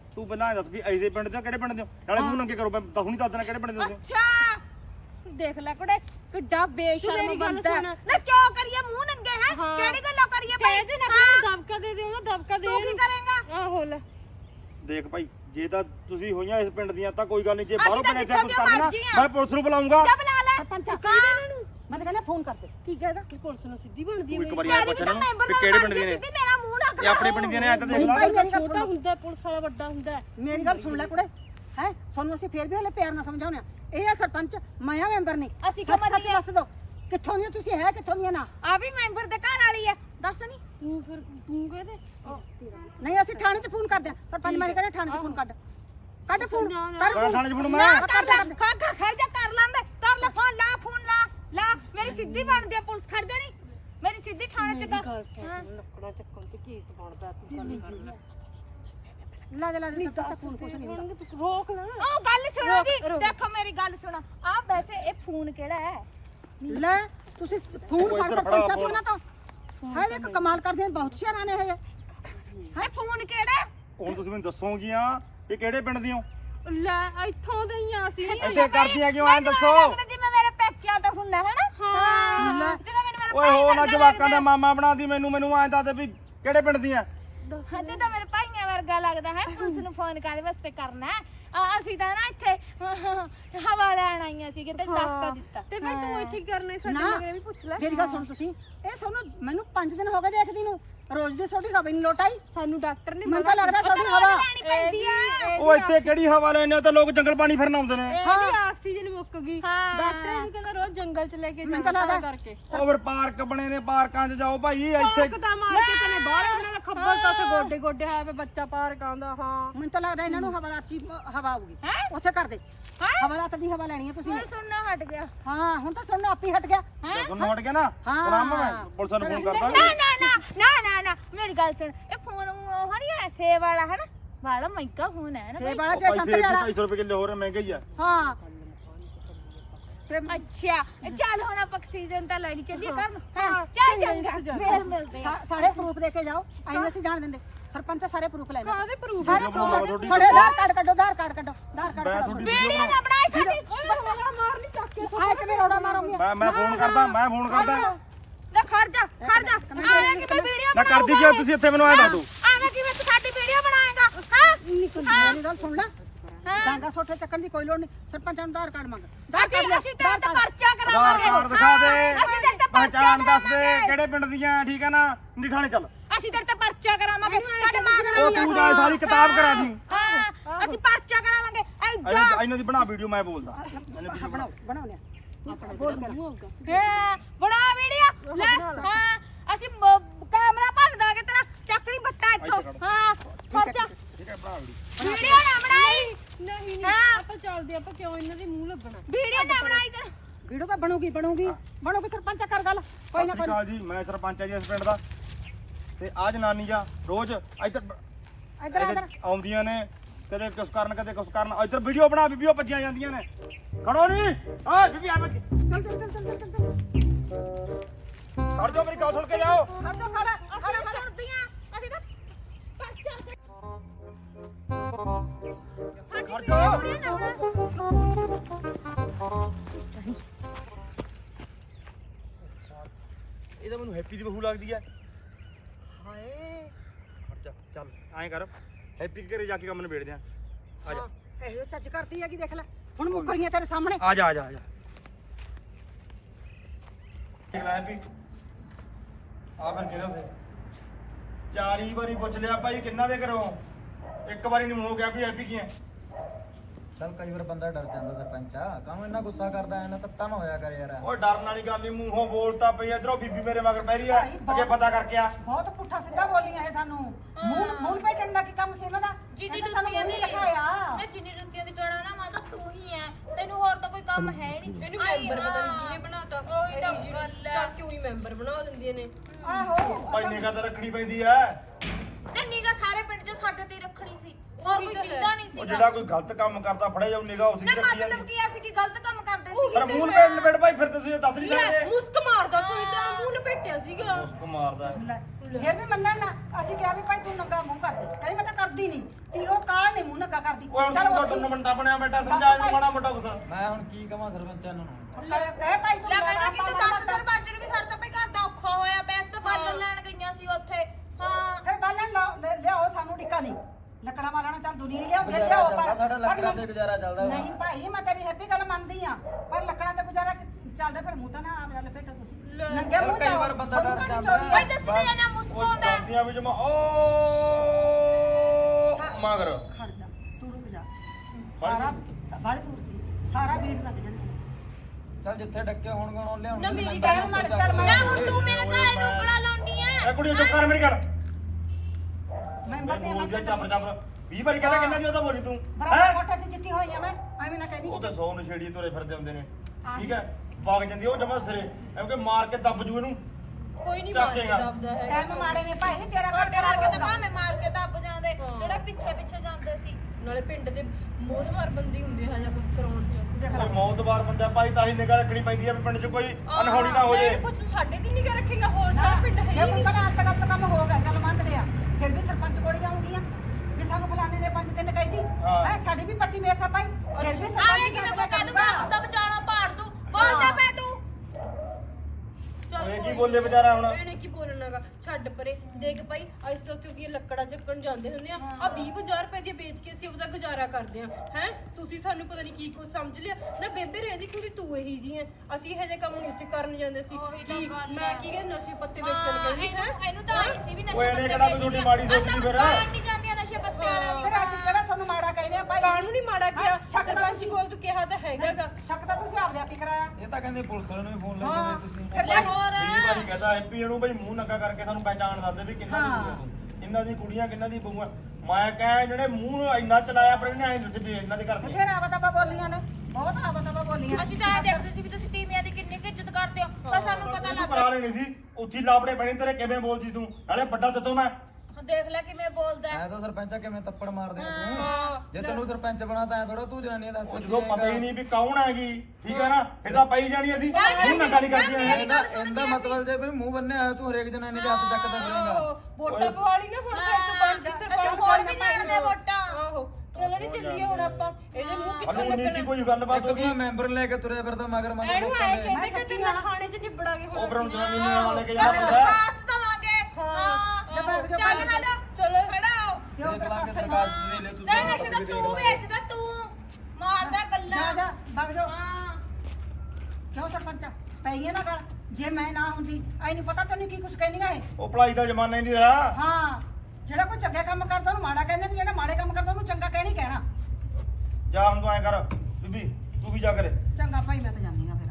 [SPEAKER 1] ਤੂੰ ਪਹਿਲਾਂ ਇਹ ਦੱਸ ਵੀ ਐਸੇ ਪਿੰਡ ਦੇ ਕਿਹੜੇ ਪਿੰਡ ਦੇ ਹੋ? ਨਾਲੇ ਮੂੰਹ ਨੰਗੇ ਕਰੋ ਮੈਂ ਤਾਂ ਹੁਣੀ ਦੱਸ ਦੇਣਾ ਕਿਹੜੇ ਪਿੰਡ ਦੇ ਹੋ ਤੁਸੀਂ।
[SPEAKER 2] ਅੱਛਾ ਦੇਖ ਲੈ ਕੁੜੇ ਕਿੱਡਾ ਬੇਸ਼ਰਮ
[SPEAKER 6] ਮੇਰੀ ਗੱਲ
[SPEAKER 2] ਬੰਦਾ ਹੈ।
[SPEAKER 6] ਸੁਣ।
[SPEAKER 2] ਨਾ ਕਿਉਂ ਕਰੀਏ ਮੂੰਹ ਨੰਗੇ ਹੈ
[SPEAKER 6] ਹਾਂ।
[SPEAKER 2] ਕਿਹੜੀ ਗੱਲੋਂ ਕਰੀਏ
[SPEAKER 6] ਕਹਿ ਦੇ ਨਾ
[SPEAKER 2] ਹਾਂ।
[SPEAKER 6] ਫਿਰ ਦਬਕਾ ਦੇ ਦਿਓ ਨਾ ਦਬਕਾ ਦੇ
[SPEAKER 2] ਤੂੰ ਕੀ ਕਰੇਂਗਾ
[SPEAKER 6] ਆਹੋ ਲੈ
[SPEAKER 1] ਦੇਖ ਭਾਈ ਜੇ ਤਾਂ ਤੁਸੀਂ ਹੋਈਆਂ ਇਸ ਪਿੰਡ ਦੀਆਂ ਤਾਂ ਕੋਈ ਗੱਲ ਨਹੀਂ ਜੇ
[SPEAKER 2] ਅਸੀਂ
[SPEAKER 1] ਬਾਹਰੋਂ
[SPEAKER 2] ਤਾਂ
[SPEAKER 1] ਪਿੰਡ
[SPEAKER 2] ਜਿੱਥੋਂ
[SPEAKER 1] ਕੁਝ ਕਰਨਾ
[SPEAKER 2] ਮਰਜ਼ੀ ਆ।
[SPEAKER 1] ਮੈਂ ਪੁਲਿਸ ਨੂੰ ਬੁਲਾਉਂਗਾ।
[SPEAKER 2] ਜਾ ਬੁਲਾ ਲੈ
[SPEAKER 3] ਸਰਪੰਚ
[SPEAKER 2] ਹਾਂ।
[SPEAKER 3] ਮੈਂ ਤਾਂ ਕਹਿੰਦਾ ਫੋਨ ਕਰ ਦੇ
[SPEAKER 2] ਕੀ ਕਹਦਾ
[SPEAKER 6] ਪੁਲਿਸ ਨੂੰ ਸਿੱਧੀ ਬਣਦੀ
[SPEAKER 1] ਤੂੰ
[SPEAKER 6] ਹੈ
[SPEAKER 1] ਇੱਕ ਵਾਰੀ
[SPEAKER 2] ਤੇਰੀ
[SPEAKER 1] ਆ
[SPEAKER 2] ਵੀ
[SPEAKER 1] ਪੁੱਛ
[SPEAKER 2] ਤਾਂ
[SPEAKER 1] ਇਹਨਾਂ ਨੂੰ
[SPEAKER 2] ਮੈਂਬਰ
[SPEAKER 1] ਵੀ
[SPEAKER 2] ਨਾਲ
[SPEAKER 1] ਕਿਹੜੇ ਪਿੰਡ ਦੀਆਂ ਨੇ
[SPEAKER 2] ਸਿੱਧੀ ਮੇਰਾ ਮੂੰਹ ਨਾ
[SPEAKER 1] ਇਹ ਆਪਣੇ ਪਿੰਡ ਦੀਆਂ ਨੇ ਐ ਤਾਂ ਦੇਖ
[SPEAKER 3] ਨਹੀਂ
[SPEAKER 1] ਲਾ
[SPEAKER 3] ਭਾਈ ਮੇਰੀ ਗੱਲ
[SPEAKER 6] ਛੋਟਾ
[SPEAKER 3] ਸੁਣ
[SPEAKER 6] ਹੁੰਦਾ ਪੁਲਿਸ ਵਾਲਾ ਵੱਡਾ ਹੁੰਦਾ ਹੈ।
[SPEAKER 3] ਮੇਰੀ ਗੱਲ ਸੁਣ ਲੈ ਕੁੜੇ ਹੈ ਸਾਨੂੰ ਅਸੀਂ ਫੇਰ ਵੀ ਹਲੇ ਪਿਆਰ ਨਾਲ ਸਮਝਾਉਂਦੇ ਆ ਇਹ ਆ ਸਰਪੰਚ ਮੈਂ ਆ ਮੈਂਬਰ ਨਹੀਂ
[SPEAKER 2] ਅਸੀਂ ਕਿਉਂ
[SPEAKER 3] ਸੱਚ
[SPEAKER 2] ਮੰਨੀਏ?
[SPEAKER 3] ਦੱਸ ਦੋ ਕਿੱਥੋਂ ਦੀਆਂ ਤੁਸੀਂ ਹੈ ਕਿੱਥੋਂ ਦੀਆਂ ਨਾ
[SPEAKER 2] ਆ ਵੀ ਮੈਂਬਰ ਦੇ ਘਰ ਵਾਲੀ ਹੈ ਦੱਸ ਨਹੀਂ
[SPEAKER 6] ਤੂੰ ਫਿਰ ਤੂੰ ਕਹਦੇ
[SPEAKER 3] ਨਹੀਂ ਅਸੀਂ ਥਾਣੇ 'ਚ ਫੋਨ ਕਰਦੇ ਆ ਸਰਪੰਚ ਮੈਂ ਕਹਿੰਦਾ ਥਾਣੇ 'ਚ ਫੋਨ ਕੱਢ ਫੋਨ ਕਰ
[SPEAKER 1] ਕਰ ਥਾਣੇ 'ਚ ਫੋਨ ਮੈਂ
[SPEAKER 2] ਨਾ ਕਰ ਲੈ ਖਰਚਾ ਕਰ ਲਾਂਦੇ ਕਰ ਲੈ ਫੋਨ ਲਾ ਫੋਨ ਲਾ ਮੇਰੀ ਸਿੱਧੀ ਬਣਦੀ ਆ ਪੁਲਿਸ ਖੜ ਜਾਣੀ ਮੇਰੀ ਸਿੱਧੀ ਥਾਣੇ 'ਚ ਕਰ
[SPEAKER 6] ਲੱਕੜਾ ਚੱਕਣ ਤੇ ਕੇਸ ਬਣਦਾ ਤੂੰ ਗੱਲ ਕਰ
[SPEAKER 3] ਲਾ ਦੇ ਸਰਪੰਚ ਫੋਨ ਕੁਛ ਨਹੀਂ ਹੁੰਦਾ
[SPEAKER 6] ਤੂੰ ਰੋਕ ਨਾ
[SPEAKER 2] ਉਹ ਗੱਲ ਸੁਣੋ ਜੀ ਦੇਖੋ ਮੇਰੀ ਗੱਲ ਸੁਣੋ ਆ ਵੈਸੇ ਇਹ ਫੋਨ ਕਿਹੜਾ ਹੈ
[SPEAKER 3] ਲੈ ਤੁਸੀਂ ਫੋਨ
[SPEAKER 1] ਉਹ
[SPEAKER 3] ਫੜ
[SPEAKER 1] ਇੱਧਰ
[SPEAKER 3] ਕੇ
[SPEAKER 1] ਫੜਾ
[SPEAKER 3] ਪੰਚਾ
[SPEAKER 1] ਫੋਨ।
[SPEAKER 3] ਤੋਂ ਨਾ ਤਾਂ ਹੈ ਇੱਕ ਕਮਾਲ ਕਰਦੇ ਨੇ ਬਹੁਤ ਸ਼ਹਿਰਾਂ ਨੇ ਇਹ
[SPEAKER 2] ਇਹ ਫੋਨ ਕਿਹੜਾ
[SPEAKER 1] ਹੁਣ ਤੁਸੀਂ ਮੈਨੂੰ ਦੱਸੋਗੀਆਂ ਕਿ ਕਿਹੜੇ ਪਿੰਡ ਦੀਆਂ ਹੋ?
[SPEAKER 6] ਲੈ ਇੱਥੋਂ ਦੇ ਹੀ ਆ ਅਸੀਂ
[SPEAKER 1] ਇੱਥੇ ਕਰਦੀਆਂ ਕਿਉਂ ਐਂ ਦੱਸੋ
[SPEAKER 2] ਜਿਵੇਂ ਮੇਰੇ ਪੇਕਿਆਂ ਤੋਂ ਹੁੰਦਾ ਹੈ ਨਾ
[SPEAKER 3] ਲੈ।
[SPEAKER 2] ਜਦੋਂ ਮੈਨੂੰ ਮੇਰੇ
[SPEAKER 1] ਓਏ ਹੋ ਨਾ ਜਵਾਕਾਂ ਦਾ ਮਾਮਾ ਬਣਾਦੀ ਮੈਨੂੰ ਐਂ ਦੱਸ ਦੇ ਵੀ ਕਿਹੜੇ ਪਿੰਡ ਦੀਆਂ
[SPEAKER 2] ਹਜੇ ਤਾਂ ਮੇਰੇ ਭਾਈਆਂ ਵਰਗਾ ਲੱਗਦਾ ਹੈ ਪੁਲਿਸ ਨੂੰ ਫੋਨ ਕਾਹਦੇ ਵਾਸਤੇ ਕਰਨਾ ਹੈ ਅਸੀਂ ਤਾਂ ਨਾ ਇੱਥੇ ਹਵਾ ਲੈਣ ਆਈਆਂ ਸੀ ਤੇ ਦੱਸਤਾ ਦਿੱਤਾ
[SPEAKER 6] ਤੇ ਬਈ ਤੂੰ ਇੱਥੇ ਕੀ ਕਰਨਾ ਸਾਡੇ
[SPEAKER 3] ਨਾ।
[SPEAKER 6] ਮਗਰੇ ਵੀ ਪੁੱਛ ਲੈ
[SPEAKER 3] ਮੇਰੀ ਗੱਲ ਸੁਣ ਤੁਸੀਂ ਇਹ ਸਾਨੂੰ ਮੈਨੂੰ 5 ਦਿਨ ਹੋ ਗਏ ਦੇਖਦੀ ਨੂੰ ਰੋਜ਼ ਦੀ ਛੋਟੀ ਹਵਾ ਨਹੀਂ ਲੋਟਾਈ
[SPEAKER 6] ਸਾਨੂੰ ਡਾਕਟਰ ਨੇ
[SPEAKER 3] ਮੈਨੂੰ ਤਾਂ ਲੱਗਦਾ ਛੋਟੀ ਹਵਾ
[SPEAKER 2] ਲੈਣੀ ਪੈਂਦੀ ਹੈ
[SPEAKER 1] ਉਹ ਇੱਥੇ ਕਿਹੜੀ ਹਵਾ ਲੈਣੇ ਤਾਂ ਲੋਕ ਜੰਗਲ ਪਾਣੀ ਫਿਰਨ ਆਉਂਦੇ ਨੇ
[SPEAKER 6] ਇਹਦੀ ਆਕਸੀਜਨ ਮੁੱਕ ਗਈ
[SPEAKER 2] ਹਾਂ।
[SPEAKER 6] ਡਾਕਟਰ ਵੀ ਕਹਿੰਦਾ ਰੋਜ਼ ਜੰਗਲ ਚ ਲੈ ਕੇ
[SPEAKER 3] ਮੈਨੂੰ ਤਾਂ
[SPEAKER 6] ਜਾਣਾ
[SPEAKER 3] ਲੱਗਦਾ
[SPEAKER 6] ਕਰਕੇ
[SPEAKER 1] ਉਹ ਫਿਰ ਪਾਰਕ ਬਣੇ ਨੇ ਪਾਰਕਾਂ 'ਚ ਜਾਓ ਭਾਈ ਇੱਥੇ
[SPEAKER 6] ਪਾਰਕ ਤਾਂ ਮਾਰ ਕੇ ਤਨੇ ਬਾਹਲੇ ਬਣਾ ਖੱਬਲ ਤਾਂ ਉੱਥੇ ਗੋਡੇ ਗੋਡੇ ਹੈ ਵੇ ਬੱਚਾ ਪਾਰਕ ਆਉਂਦਾ ਹਾਂ
[SPEAKER 3] ਮੈਨੂੰ ਤਾਂ ਲੱਗਦਾ ਇਹਨਾਂ ਨੂੰ ਹਵਾਦਾਰ ਹਵਾ ਆਊਗੀ
[SPEAKER 2] ਹੈਂ?
[SPEAKER 3] ਉੱਥੇ ਕਰ ਦੇ
[SPEAKER 2] ਹੈਂ?
[SPEAKER 3] ਹਵਾਦਾਰ ਦੀ ਹਵਾ ਲੈਣੀ ਹੈ ਤੁਸੀਂ ਨੇ।
[SPEAKER 2] ਸੁਣਨਾ ਹਟ ਗਿਆ
[SPEAKER 3] ਹਾਂ ਹੁਣ ਤਾਂ ਸੁਣਨਾ ਆਪੇ ਹਟ ਗਿਆ
[SPEAKER 1] ਤੁਹਾਨੂੰ ਹਟ ਗਿਆ ਨਾ
[SPEAKER 3] ਹਾਂ।
[SPEAKER 1] ਕਰਾਮ ਮੈਂ ਪੁਲਿਸ ਨੂੰ ਫੋਨ ਕਰਦਾ
[SPEAKER 2] ਨਾ ਮੇਰੀ ਗੱਲ ਸੁਣ ਇਹ ਫੋਨ ਉਹ ਨਹੀਂ ਹੈ ਸੇਬ ਵਾਲਾ ਹੈ ਨਾ ਵਾਲਾ ਮਹਿੰਗਾ ਫੋਨ ਹੈ ਨਾ
[SPEAKER 3] ਸੇਬ ਵਾਲਾ
[SPEAKER 1] ਉਹ
[SPEAKER 3] ਜੇ ਸੰਤਰੇ ਵਾਲਾ
[SPEAKER 1] 250 ਰੁਪਏ ਕਿਲੋ ਹੋਰ ਮਹਿੰਗਾ ਹੀ ਆ
[SPEAKER 3] ਹਾਂ ਤੇ
[SPEAKER 2] ਅੱਛਾ ਚੱਲ ਹੁਣ ਆਪਾਂ ਸੀਜ਼ਨ ਤਾਂ ਲੈ ਲਈ ਚੱਲੀਏ ਕਰਨ ਹਾਂ ਚੱਲ ਚੰਗਾ ਫੇਰ ਮਿਲਦੇ ਆ
[SPEAKER 3] ਸਾਰੇ ਪ੍ਰੂਫ ਦੇ ਕੇ ਜਾਓ ਐਂ ਅਸੀਂ ਜਾਣ ਦਿੰਦੇ ਸਰਪੰਚ ਸਾਰੇ ਪ੍ਰੂਫ ਲੈ ਲੈ
[SPEAKER 6] ਕਾਹਦੇ proof?
[SPEAKER 3] ਸਾਰੇ
[SPEAKER 1] ਵੀਡੀਓ ਬਣਾ ਲਓ
[SPEAKER 3] ਪ੍ਰੂਫ ਥੋੜੇ ਆਧਾਰ ਕਾਰਡ ਕੱਢੋ ਆਧਾਰ ਕਾਰਡ ਕੱਢੋ ਆਧਾਰ
[SPEAKER 1] ਮੈਂ
[SPEAKER 3] ਕਾਰਡ
[SPEAKER 1] ਤੁਹਾਡੀ
[SPEAKER 2] ਵੀਡੀਓ ਨਾ ਬਣਾਈ ਸਾਡੀ
[SPEAKER 6] ਓਏ ਰੋਲਾ ਮਾਰ ਨਹੀਂ ਚੱਕ ਕੇ
[SPEAKER 3] ਆਏ ਤੇ ਰੋੜਾ ਮਾਰੋਗੇ
[SPEAKER 1] ਮੈਂ ਫੋਨ ਕਰਦਾ
[SPEAKER 2] ਨਾ ਖੜ ਜਾ ਆਵੇਂ ਕਿ ਵੀਡੀਓ
[SPEAKER 1] ਮੈਂ ਕਰਦੀ ਕੀ ਤੁਸੀਂ ਇੱਥੇ ਮੈਨੂੰ ਐਂ ਦੱਸ ਦੋ
[SPEAKER 2] ਆਵੇਂ ਕਿਵੇਂ ਤੂੰ ਸਾਡੀ ਵੀਡੀਓ ਬਣਾਏਗਾ ਹਾਂ
[SPEAKER 3] ਮੇਰੀ ਗੱਲ ਸੁਣ ਲੈ ਡਾਂਗਾ ਸੋਠੇ ਚੱਕਣ ਦੀ ਕੋਈ ਲੋੜ ਨਹੀਂ ਸਰਪੰਚ ਨੂੰ ਆਧਾਰ ਕਾਰਡ ਮੰਗ
[SPEAKER 2] ਅਸੀਂ ਤੇਰੇ ਤੇ ਪਰਚਾ
[SPEAKER 1] ਆਧਾਰ
[SPEAKER 2] ਕਰਾਵਾਂਗੇ
[SPEAKER 1] ਕਾਰਡ ਦਿਖਾ
[SPEAKER 2] ਅਸੀਂ ਤੇਰੇ
[SPEAKER 1] ਦੇ
[SPEAKER 2] ਤੇ
[SPEAKER 1] ਪਹਿਚਾਣ ਦੱਸ ਦੇ
[SPEAKER 2] ਕਰਾਵਾਂਗੇ।
[SPEAKER 1] ਕਿਹੜੇ ਪਿੰਡ ਦੀਆਂ ਠੀਕ ਹੈ ਨਾ ਨਿਠਾਣੇ ਚੱਲ
[SPEAKER 2] ਅਸੀਂ ਤੇਰੇ ਤੇ ਪਰਚਾ ਕਰਾਵਾਂਗੇ ਸਾਡੇ ਮਾਂ
[SPEAKER 1] ਉਹ ਤੂੰ ਜਾ ਸਾਰੀ ਕਿਤਾਬ ਕਰਾ ਦੀ
[SPEAKER 2] ਹਾਂ ਅਸੀਂ ਪਰਚਾ ਕਰਾਵਾਂਗੇ
[SPEAKER 1] ਇਹਨਾਂ ਦੀ ਬਣਾ ਵੀਡੀਓ ਮੈਂ ਬੋਲਦਾ
[SPEAKER 3] ਬਣਾਓ ਲਿਆ ਬੋਲ ਕੇ
[SPEAKER 2] ਹਾਂ ਬਣਾ ਵੀਡੀਓ ਲੈ ਹਾਂ ਅਸੀਂ ਕੈਮਰਾ ਭੰਨ ਦਾਂਗੇ ਤੇਰਾ ਚੱਕਰੀ ਬੱਟਾ ਇੱਥੋਂ ਹਾਂ ਪਰਚਾ
[SPEAKER 1] ਠੀਕ ਹੈ ਬਣਾ
[SPEAKER 2] ਵੀਡੀਓ ਨਾ ਬਣਾਈ
[SPEAKER 6] ਨਹੀਂ
[SPEAKER 2] ਹਾਂ।
[SPEAKER 6] ਆਪਾਂ ਚੱਲਦੇ ਆਪਾਂ ਕਿਉਂ ਇਹਨਾਂ ਦੇ ਮੂੰਹ ਲੱਗਣਾ
[SPEAKER 2] ਵੀਡੀਓ ਨਾ ਬਣਾਈ ਕਰ
[SPEAKER 3] ਵੀਡੀਓ ਤਾਂ ਬਣੂਗੀ ਸਰਪੰਚ ਕਰ ਗੱਲ ਕੋਈ ਨਾ
[SPEAKER 1] ਸਤਿ ਸ਼੍ਰੀ ਅਕਾਲ ਜੀ ਮੈਂ ਸਰਪੰਚ ਆ ਜੀ ਇਸ ਪਿੰਡ ਦਾ ਤੇ ਆ ਜਨਾਨੀ ਆ ਰੋਜ਼ ਇੱਧਰ
[SPEAKER 3] ਇੱਧਰ
[SPEAKER 1] ਆਉਂਦੀਆਂ ਨੇ ਕਦੇ ਕੁਛ ਕਰਨ ਇੱਧਰ ਵੀਡੀਓ ਬਣਾ ਬੀਬੀਓ ਭੱਜੀਆਂ ਜਾਂਦੀਆਂ ਨੇ ਖੜੋ ਨਹੀਂ ਓਏ ਬੀਬੀ ਆ ਭੱਜ
[SPEAKER 3] ਚੱਲ
[SPEAKER 1] ਖੜ ਜਾਓ ਮੇਰੀ ਗੱਲ ਸੁਣ ਕੇ ਜਾਓ
[SPEAKER 3] ਖੜ ਜਾ ਖੜ
[SPEAKER 2] ਅਸੀਂ ਤਾਂ ਸੁਣਦੀਆਂ ਅਸੀਂ ਤਾਂ ਪਰਚਾ
[SPEAKER 1] ਖੜ ਜਾਓ ਇਹ ਤਾਂ ਮੈਨੂੰ ਹੈਪੀ ਦੀ ਬਹੂ ਲੱਗਦੀ ਹੈ
[SPEAKER 3] ਹਾਏ
[SPEAKER 1] ਖੜ ਜਾ ਚੱਲ ਐਂ ਕਰ ਹੈਪੀ ਘਰੇ ਜਾ ਕੇ ਕੰਮ ਨਿਬੇੜਦੇ ਆ ਆ ਜਾ
[SPEAKER 3] ਇਹੋ ਚੱਜ ਕਰਦੀ ਹੈਗੀ ਦੇਖ ਲੈ ਹੁਣ ਮੁੱਕਰੀਆਂ ਤੇਰੇ ਸਾਹਮਣੇ
[SPEAKER 1] ਆ ਜਾ ਦੇਖ ਲੈ ਹੈਪੀ ਆ ਫਿਰ ਕਿਹਦੇ ਉੱਥੇ ਚਾਰੀ ਵਾਰੀ ਪੁੱਛ ਲਿਆ ਭਾਈ ਕਿੰਨਾ ਦੇ ਘਰੋਂ ਇੱਕ ਵਾਰੀ ਨਹੀਂ ਹੋ ਗਿਆ ਵੀ ਹੈਪੀ ਕੀ ਹੈ
[SPEAKER 5] ਚੱਲ ਕਈ ਵਾਰ ਬੰਦਾ ਡਰ ਜਾਂਦਾ ਸਰਪੰਚਾ ਕਾਹਨੂੰ ਇੰਨਾ ਗੁੱਸਾ ਕਰਦਾ ਐ ਨਾ ਤੱਤਾ ਨਾ ਹੋਇਆ ਕਰ ਯਾਰ
[SPEAKER 1] ਓਏ ਡਰਨ ਵਾਲੀ ਗੱਲ ਨਹੀਂ ਮੂੰਹੋਂ ਬੋਲਤਾ ਪਈ ਇਧਰੋਂ ਬੀਬੀ ਮੇਰੇ ਮਗਰ ਪੈ ਰਹੀ ਆ ਅੱਗੇ ਪਤਾ ਕਰਕੇ ਆ
[SPEAKER 3] ਬਹੁਤ ਪੁੱਠਾ ਸਿੱਧਾ ਬੋਲੀਆਂ ਇਹ ਸਾਨੂੰ ਮੂੰਹ ਭੇਟਣ ਦਾ ਕੀ ਕੰਮ ਸੀ ਇਹਨਾਂ ਦਾ
[SPEAKER 2] ਜਿੰਨੀ
[SPEAKER 3] ਇਹ ਤਾਂ ਸਾਨੂੰ
[SPEAKER 2] ਰੁੱਤੀਆਂ
[SPEAKER 3] ਮੂੰਹ
[SPEAKER 2] ਦੀ
[SPEAKER 3] ਨਹੀਂ ਲਿਖਾਇਆ
[SPEAKER 2] ਇਹ ਜਿੰਨੀ ਰੁੱਤੀਆਂ ਦੀ ਜੜਾ ਨਾ ਮਾਤਾ ਤੂੰ ਹੀ ਐ ਤੈਨੂੰ ਹੋਰ ਤਾਂ ਕੋਈ ਕੰਮ ਹੈ ਨਹੀਂ
[SPEAKER 6] ਇਹਨੂੰ ਮੈਂਬਰ ਪਤਾ ਨਹੀਂ ਕਿਹਨੇ ਬਣਾਤਾ
[SPEAKER 2] ਉਹੀ ਤਾਂ ਗੱਲ ਹੈ
[SPEAKER 6] ਚੱਲ ਕਿਉਂ ਹੀ ਮੈਂਬਰ ਬਣਾ ਦਿੰਦੀਆਂ ਨੇ
[SPEAKER 3] ਆਹੋ
[SPEAKER 1] ਭਾਈ ਨਿਗਾਹ ਤਾਂ ਰੱਖਣੀ ਪੈਂਦੀ ਐ
[SPEAKER 2] ਤੇ ਨਿਗਾ ਸਾਰੇ ਪਿੰਡ 'ਚ ਸਾਡੇ ਤੇ ਹੀ ਰੱਖਣੀ ਸੀ ਹੋਰ ਕੋਈ ਦਿੰਦਾ ਨਹੀਂ
[SPEAKER 1] ਉਹ
[SPEAKER 2] ਸੀਗਾ
[SPEAKER 1] ਜਿਹੜਾ ਕੋਈ ਗਲਤ ਕੰਮ ਕਰਦਾ ਫੜਿਆ ਜਾਊ ਨਿਗਾਹ ਉਸੇ
[SPEAKER 2] ਨਾ
[SPEAKER 1] ਦੀ ਰੱਖੀ
[SPEAKER 2] ਮਤਲਬ
[SPEAKER 1] ਜਾਂਦੀ
[SPEAKER 2] ਕੀ ਅਸੀਂ ਕੀ ਗਲਤ ਕੰਮ ਕਰਦੇ ਕਰਦੇ ਸੀ
[SPEAKER 1] ਪਰ ਮੂੰਹ ਲਪੇਟ ਲਪੇਟ ਭਾਈ ਫਿਰ ਤੁਸੀਂ ਦੱਸ ਨਹੀਂ
[SPEAKER 6] ਲੈ
[SPEAKER 1] ਸਕਦੇ
[SPEAKER 6] ਮੁਸਕ ਮਾਰਦਾ ਤੂੰ ਤਾਂ ਮੂੰਹ ਲਪੇਟਿਆ ਸੀਗਾ
[SPEAKER 1] ਉਸਕੋ ਮਾਰਦਾ
[SPEAKER 3] ਲੈ, ਫਿਰ ਵੀ ਮੰਨਣ ਨਾ ਅਸੀਂ ਕਿਹਾ ਵੀ ਭਾਈ ਤੂੰ ਨੰਗਾ ਮੂੰਹ ਕਰ ਦੇ ਕਹਿੰਦੀ ਮੈਂ ਤਾਂ ਕਰਦੀ ਨਹੀਂ ਤੀ ਉਹ ਕਾਲ ਨਹੀਂ ਮੂੰਹ ਨੰਗਾ ਕਰਦੀ
[SPEAKER 1] ਓਏ ਹੁਣ
[SPEAKER 3] ਚਲ
[SPEAKER 1] ਤੂੰ
[SPEAKER 3] ਉੱਥੇ
[SPEAKER 1] ਟੂਰਨਾਮੈਂਟ ਬਣਿਆ ਬੇਟਾ ਸਮਝਾ ਇਹਨੂੰ ਮਾੜਾ ਮੋਟਾ ਕੁਛ
[SPEAKER 5] ਮੈਂ ਹੁਣ ਕੀ ਕਹਾਂ ਸਰਪੰਚਾਂ ਨੂੰ
[SPEAKER 3] ਕਹਿ ਭਾਈ ਤੂੰ
[SPEAKER 2] ਲੈ ਕਹਿੰਦਾ
[SPEAKER 3] ਆਪਾਂ
[SPEAKER 2] ਕਿ ਤੂੰ
[SPEAKER 3] ਮਾੜਾ
[SPEAKER 2] 10 ਸਰਪੰਚ ਨੂੰ ਵੀ ਸਾਡਾ ਭਾਈ ਘਰ ਦਾ ਔਖਾ ਹੋਇਆ ਪਿਆ ਅਸੀਂ ਤਾਂ ਬਾਲਣ ਲੈਣ ਗਈਆਂ ਸੀ ਉੱਥੇ ਹਾਂ
[SPEAKER 3] ਫਿਰ ਬਾਲਣ ਲਿਆਓ ਸਾਨੂੰ ਟਿੱਕਾ ਨਹੀਂ ਲੱਕੜਾਂ ਵਾਲਾ ਚੱਲ ਦੁਨੀਆ ਹੀ ਲਿਆਓ ਫਿਰ ਲਿਆਓ
[SPEAKER 5] ਸਾਡਾ ਲੱਕੜਾਂ ਤੇ ਗੁਜ਼ਾਰਾ ਚੱਲਦਾ ਵਾ।
[SPEAKER 3] ਨਹੀਂ ਭਾਈ ਮੈਂ ਤੇਰੀ ਹੈਪੀ ਗੱਲ ਮੰਨਦੀ ਆ ਪਰ ਲੱਕੜਾਂ ਤੇ ਗੁਜ਼ਾਰਾ ਚੱਲਦਾ ਫਿਰ ਮੂੰਹ ਤਾਂ ਨਾ ਆਪ ਲਪੇਟੋ ਤੁਸੀਂ ਨੰਗੇ ਮੂੰਹ
[SPEAKER 5] ਕਈ ਵਾਰ ਬੰਦਾ ਡਰ ਜਾਂਦਾ
[SPEAKER 2] ਭਾਈ ਦੱਸੀ ਤੇ ਜਾਣਾ ਮੁਸਕੋ
[SPEAKER 1] ਉਹ
[SPEAKER 2] ਆਉਂਦਾ
[SPEAKER 1] ਜਾਂਦੀਆਂ ਵੀ ਜਮਾ ਓ ਮਗਰ
[SPEAKER 3] ਖੜ ਜਾ ਤੂੰ ਰੁਕ ਜਾ ਸਾਰਾ ਬਾਲੀ ਦੂਰ ਸੀ ਸਾਰਾ ਭੀੜ ਲੱਗ ਜਾਂਦੀ
[SPEAKER 5] ਚੱਲ ਜਿੱਥੇ ਡੱਕੇ ਹੋਣ ਗਾਣੋਂ ਲਿਆਉਣ
[SPEAKER 6] ਨਾ ਮੇਰੀ
[SPEAKER 3] ਕਹਿ ਮੜ ਚੱਲ
[SPEAKER 2] ਲੈ
[SPEAKER 3] ਮੈਂ
[SPEAKER 2] ਹੁਣ ਤੂੰ ਮੇਰੇ ਘਰ ਨੂੰ ਉਂਗਲਾਂ ਲਾਉਣੀ ਆ
[SPEAKER 1] ਇਹ ਕੁੜੀ ਚੁੱਪ ਕਰ ਮੇਰੀ ਗੱਲ
[SPEAKER 3] ਮੈਂਬਰ ਨੇ
[SPEAKER 1] ਬੋਲ ਜਾ ਚੱਪ ਚੱਪ 20 ਵਾਰੀ ਕਹਿੰਦਾ ਕਿੰਨਾ ਦੀ ਉਹਦਾ ਬੋਲੀ ਤੂੰ
[SPEAKER 3] ਬਰਾਬਰ
[SPEAKER 1] ਹੈ
[SPEAKER 3] ਕੋਠੇ ਤੇ ਜਿੱਤੀ ਹੋਈ ਆ ਮੈਂ ਐਵੇਂ ਨਾ ਕਹਿਦੀ
[SPEAKER 1] ਉਹ ਤੇ 100 ਨਸ਼ੇੜੀ ਤੁਰੇ ਫਿਰਦੇ ਹੁੰਦੇ ਨੇ ਠੀਕ ਹੈ ਵਗ ਜਾਂਦੀ ਉਹ ਜਮਾ ਸਿਰੇ ਐਵੇਂ ਕਿ ਮਾਰ ਕੇ ਦੱਬ ਜੂ ਇਹਨੂੰ
[SPEAKER 6] ਕੋਈ ਨਹੀਂ
[SPEAKER 1] ਚੱਕ ਕੇ
[SPEAKER 6] ਮਾਰਦਾ
[SPEAKER 1] ਗੱਲ।
[SPEAKER 6] ਦੱਬਦਾ ਹੈਗਾ
[SPEAKER 3] ਟਾਈਮ ਮਾੜੇ ਨੇ ਭਾਈ ਤੇਰਾ
[SPEAKER 2] ਰੋਟੇ
[SPEAKER 3] ਘਰ
[SPEAKER 2] ਵਰਗੇ ਤਾਂ ਭਾਵੇਂ ਮਾਰ ਕੇ ਦੱਬ ਜਾਂਦੇ ਜਿਹੜੇ ਪਿੱਛੇ ਪਿੱਛੇ ਜਾਂਦੇ ਸੀ
[SPEAKER 6] ਨਾਲੇ ਪਿੰਡ ਦੇ ਮੋਹਦਵਾਰ ਬੰਦੇ ਹੁੰਦੇ ਆ ਜਾਂ ਕੁਝ ਕਰਾਉਣ ਚ
[SPEAKER 3] ਦੇਖ ਲੈ
[SPEAKER 1] ਕੋਈ ਮੌਤਬਾਰ ਬੰਦਾ ਭਾਈ ਤਾਂ ਹੀ ਨਿਗਾਹ ਰੱਖਣੀ ਪੈਂਦੀ ਹੈ ਵੀ ਪਿੰਡ 'ਚ ਕੋਈ ਅਨਹੋਣੀ ਨਾ ਹੋ ਜੇ
[SPEAKER 6] ਕੁਝ ਸਾਡੇ ਦੀ ਨਿਗਾਹ ਰੱਖੇਗਾ ਹੋਰ ਸਾਰਾ ਪਿੰਡ ਹੈ
[SPEAKER 3] ਜੇ
[SPEAKER 6] ਹੀ
[SPEAKER 3] ਕੋਈ
[SPEAKER 6] ਨਹੀਂ
[SPEAKER 3] ਭਲਾ ਅੰਤ ਗਲਤ ਕੰਮ ਹੋ ਗਿਆ ਚੱਲ ਮੰਨਦੇ ਆ ਫਿਰ ਵੀ ਸਰਪੰਚ ਕੋਲ ਹੀ ਆਉਂਗੀਆਂ ਵੀ ਸਾਨੂੰ ਫਲਾਣੇ ਨੇ 5-3 ਕਹਿਤੀ
[SPEAKER 1] ਹਾਂ।
[SPEAKER 3] ਹੈ ਸਾਡੀ ਵੀ ਪੱਟੀ ਮੇਸਾ ਭਾਈ ਫਿਰ ਵੀ
[SPEAKER 2] ਆਵੇਂ
[SPEAKER 3] ਸਰਪੰਚ
[SPEAKER 2] ਕਿਵੇਂ
[SPEAKER 3] ਫੈਸਲਾ
[SPEAKER 2] ਕੋਈ ਕਹਦੂਗਾ
[SPEAKER 3] ਕਰੂਗਾ
[SPEAKER 2] ਉਹਦਾ ਵਿਚਾਲਾ ਪਾੜ ਦੂ ਬੋਲਦਾ ਪੈ ਤੂੰ
[SPEAKER 6] ਚੱਲ
[SPEAKER 1] ਓਏ ਕੀ
[SPEAKER 6] ਕੋਈ
[SPEAKER 1] ਬੋਲੇ ਵਿਚਾਰਾ ਹੁਣ
[SPEAKER 6] ਇਹਨੇ ਕੀ ਬੋਲਣਾਗਾ ਛੱਡ ਪਰੇ ਦੇਖ ਭਾਈ ਅੱਜ ਤੋਂ ਕਿਉਂਕਿ ਲੱਕੜਾਂ ਚੱਕਣ ਜਾਂਦੇ ਹੁੰਦੇ ਆ ਆ 20,000 ਰੁਪਏ ਦੀ ਵੇਚ ਕੇ ਅਸੀਂ ਉਹਦਾ ਗੁਜ਼ਾਰਾ ਕਰਦੇ ਆ ਹੈ ਤੁਸੀਂ ਸਾਨੂੰ ਪਤਾ ਨਹੀਂ ਕੀ ਕੁਝ ਸਮਝ ਲਿਆ ਨਾ ਬੇਬੇ ਰਹਿੰਦੀ ਕਿਉਂਕਿ ਤੂੰ ਇਹੀ ਜੀ ਹੈ ਅਸੀਂ ਇਹੋ ਜਿਹੇ ਕੰਮ ਨਹੀਂ ਉੱਥੇ ਕਰਨ ਜਾਂਦੇ ਸੀ
[SPEAKER 2] ਉਹੀ ਤਾਂ
[SPEAKER 6] ਕੀ
[SPEAKER 2] ਗੱਲ
[SPEAKER 6] ਮੈਂ
[SPEAKER 2] ਹੈ।
[SPEAKER 6] ਕੀ ਕਹਿੰਦਾ ਨਸ਼ੇ ਪੱਤੇ ਵੇਚਣ ਗਈ ਹੈ
[SPEAKER 2] ਇਹਨੂੰ ਤਾਂ ਆਈ ਸੀ ਵੀ ਨਸ਼ੇ
[SPEAKER 1] ਓਏ ਇਹਨੇ ਕਿਹੜਾ ਕੋਈ ਤੁਹਾਡੀ ਮਾੜੀ ਸੋਚੀ ਫਿਰ?
[SPEAKER 2] ਨਹੀਂ ਜਾਂਦੀਆਂ ਨਸ਼ੇ ਪੱਤੇ ਵਾਲਿਆਂ ਦੀ
[SPEAKER 3] ਫਿਰ ਅਸੀਂ ਕਿਹੜਾ ਤੁਹਾਨੂੰ ਮਾੜਾ ਕਹਿੰਦੇ ਆ ਭਾਈ
[SPEAKER 6] ਕਾਨੂੰਨ ਨਹੀਂ ਮਾੜਾ ਕਿਹਾ
[SPEAKER 3] ਸ਼ੱਕ ਤਾਂ
[SPEAKER 6] ਸਰਪੰਚ
[SPEAKER 3] ਤੁਸੀਂ-
[SPEAKER 6] ਕੋਲ ਤੂੰ ਕਿਹਾ ਤਾਂ ਹੈਗਾਗਾ
[SPEAKER 3] ਸ਼ੱਕ ਤਾਂ ਤੁਸੀਂ ਆਪਦੇ ਆਪ ਹੀ ਕਰਾਇਆ
[SPEAKER 5] ਇਹ ਤਾਂ ਕਹਿੰਦੇ ਪੁਲਿਸ ਵਾਲਿਆਂ ਨੂੰ ਵੀ ਫੋਨ
[SPEAKER 3] ਹਾਂ।
[SPEAKER 5] ਲਾਉਂਦੇ ਤੁਸੀਂ
[SPEAKER 3] ਫਿਰ
[SPEAKER 2] ਲੈ ਹੋਰ
[SPEAKER 1] ਕਈ ਵਾਰੀ ਕਹਦਾ ਐਮਪੀ ਇਹਨੂੰ ਬਈ ਮੂੰਹ ਨੱਕਾ ਕਰਕੇ ਸਾਨੂੰ ਪਹਿਚਾਣ ਦੱਸਦੇ ਵੀ ਕਿੰਨਾ ਦੀ ਕੁੜੀ ਆ ਤੂੰ ਕਿੰਨਾ ਦੀ ਕੁੜੀਆਂ ਕਿੰਨਾ ਦੀ ਬਹੂਆਂ ਮੈਂ ਕਹਾਂ ਜਿਹੜੇ ਮੂੰਹ ਇੰਨਾ ਚਲਾਇਆ ਪਰ ਇਹਨੇ ਐਂ ਦੱਸ ਵੀ ਇਹਨਾਂ ਦੇ ਘਰ ਦੀ
[SPEAKER 3] ਬਥੇਰਾ ਆਵਾ ਬੋਲੀਆਂ ਨੇ ਬਹੁਤ ਆਵਾ ਬੋਲੀਆਂ
[SPEAKER 2] ਅਸੀਂ ਤਾਂ ਇਹ ਦੇਖਦੇ ਸੀ ਵੀ ਤੁਸੀਂ ਤੀਵੀਆਂ ਦੀ ਕਿੰਨੀ ਕੁ ਇੱਜ਼ਤ ਕਰਦੇ ਹੋ ਪਰ ਸਾਨੂੰ ਪਤਾ
[SPEAKER 1] ਤੂੰ
[SPEAKER 2] ਲੱਗ
[SPEAKER 1] ਕਰਾ ਲੈਣੀ ਸੀ ਉੱਥੀ ਲਾਪੜੇ ਬਣੇ ਤੇਰੇ ਕਿਵੇਂ ਬੋਲਦੀ ਤੂੰ ਨਾਲੇ ਵੱਡਾ ਦਿੱਤੋਂ ਮੈਂ
[SPEAKER 2] ਦੇਖ ਲੈ ਕਿਵੇਂ ਬੋਲਦਾ ਹੈ।
[SPEAKER 5] ਐ ਤਾਂ ਸਰਪੰਚਾ ਕਿਵੇਂ ਤੱਪੜ ਮਾਰਦੇ ਹੋ
[SPEAKER 6] ਹਾਂ।
[SPEAKER 5] ਤੂੰ ਜੇ ਤੈਨੂੰ ਸਰਪੰਚ ਬਣਾਤਾ ਐ ਥੋੜਾ ਤੂੰ ਜਨਾਨੀਆਂ ਦਾ ਹੱਥ
[SPEAKER 1] ਉਹ
[SPEAKER 5] ਚ
[SPEAKER 1] ਜਦੋਂ ਪਤਾ ਹੀ ਨਹੀਂ ਵੀ ਕੌਣ ਹੈਗੀ ਠੀਕ ਹੈ ਨਾ ਫਿਰ ਤਾਂ ਪਈ ਜਾਣੀ ਅਸੀਂ ਮੂੰਹ ਨੱਕਾ ਨਹੀਂ ਕਰਦੀਆਂ ਇਹ
[SPEAKER 5] ਇਹਦਾ ਮਤਲਬ ਜੇ ਵੀ ਮੂੰਹ ਬੰਨਿਆ ਹੋਇਆ ਤੂੰ ਹਰੇਕ ਜਨਾਨੀ ਦੇ ਹੱਥ ਚੱਕਦਾ ਫਿਰੇਂਗਾ
[SPEAKER 6] ਆਹੋ, ਵੋਟਾਂ ਪਵਾ ਲਈ ਨਾ ਹੁਣ ਫਿਰ ਤੂੰ ਬਣ ਜਾ
[SPEAKER 2] ਅਸੀਂ
[SPEAKER 6] ਸਰਪੰਚ
[SPEAKER 2] ਹੋਰ ਵੀ ਲੈਣ ਦੇ ਵੋਟਾਂ
[SPEAKER 6] ਆਹੋ ਚਲੋ ਨਹੀਂ ਚੱਲੀਏ ਹੁਣ ਆਪਾਂ ਇਹਦੇ ਮੂੰਹ ਕਿੱਥੋਂ
[SPEAKER 1] ਅਨੂ ਨਹੀਂ
[SPEAKER 6] ਲੱਗਣਾ
[SPEAKER 1] ਕੀ ਕੋਈ ਗੱਲਬਾਤ ਹੋ
[SPEAKER 5] ਇੱਕ
[SPEAKER 1] ਗਈ
[SPEAKER 5] ਵੀ ਮੈਂਬਰ ਲੈ ਕੇ ਤੁਰਿਆ ਫਿਰਦਾ ਮਗਰ ਮਗਰ
[SPEAKER 6] ਇਹਨੂੰ
[SPEAKER 5] ਲੋਕਾਂ
[SPEAKER 6] ਐ
[SPEAKER 5] ਦੇ
[SPEAKER 6] ਕਹਿੰਦੇ ਕਿ ਜਿੰਨਾ ਖਾਣੇ 'ਚ ਨਿਬੜਾਂਗੇ
[SPEAKER 1] ਉਹ
[SPEAKER 6] ਹੁਣ
[SPEAKER 1] ਬਰੋਂ ਜਨਾਨੀ ਨੇ ਨਾਲ ਲੈ ਕੇ ਜਾਣਾ ਪੈਂਦਾ
[SPEAKER 2] ਖਾਸ ਦਵਾਂਗੇ
[SPEAKER 6] ਹਾਂ।
[SPEAKER 2] ਹਾਂ
[SPEAKER 3] ਜੋ
[SPEAKER 2] ਚੱਲ ਹਲੋ
[SPEAKER 6] ਚਲੋ।
[SPEAKER 2] ਖੜਾ ਹੋ
[SPEAKER 3] ਕਿਉਂ
[SPEAKER 5] ਦੇਖ ਲਾਂਗੇ
[SPEAKER 3] ਪਾਸੇ
[SPEAKER 5] ਸਰਕਾਸ ਦੇ ਲੈ ਤੂੰ
[SPEAKER 2] ਨਹੀਂ
[SPEAKER 5] ਸਾਰਾ
[SPEAKER 2] ਨਸ਼ੇ
[SPEAKER 5] ਕੁਛ
[SPEAKER 2] ਤਾਂ
[SPEAKER 5] ਵੀ
[SPEAKER 2] ਤੂੰ
[SPEAKER 5] ਦੇਖ
[SPEAKER 2] ਵੇਚਦਾ ਤੂੰ ਮਾਰਦਾ
[SPEAKER 3] ਜਾ
[SPEAKER 2] ਗੱਲਾਂ
[SPEAKER 3] ਜਾ ਵਗ ਜਾਓ
[SPEAKER 2] ਹਾਂ
[SPEAKER 3] ਕਿਉਂ ਸਰਪੰਚ ਪੈ ਗਈ ਨਾ ਗੱਲ ਜੇ ਮੈਂ ਨਾ ਹੁੰਦੀ ਐ ਨਹੀਂ ਪਤਾ ਤੈਨੂੰ ਕੀ ਕੁਝ ਕਹਿੰਦੀਆਂ ਇਹ
[SPEAKER 1] ਉਹ ਭਲਾਈ ਦਾ ਜ਼ਮਾਨਾ ਹੀ ਨਹੀਂ ਰਿਹਾ
[SPEAKER 3] ਹਾਂ ਜਿਹੜਾ ਕੋਈ ਚੰਗਾ ਕੰਮ ਕਰਦਾ ਉਹਨੂੰ ਮਾੜਾ ਕਹਿੰਦੇ ਨੇ ਜਿਹੜਾ ਮਾੜੇ ਕੰਮ ਕਰਦਾ ਉਹਨੂੰ ਚੰਗਾ ਕਹਿਣੀ ਕਹਿਣਾ
[SPEAKER 1] ਜਾ ਹੁਣ ਤੂੰ ਐ ਕਰ ਬੀਬੀ ਤੂੰ ਵੀ ਜਾ ਕਰੇ
[SPEAKER 3] ਚੰਗਾ ਭਾਈ ਮੈਂ ਤਾਂ ਜਾਂਦੀ ਆ ਫਿਰ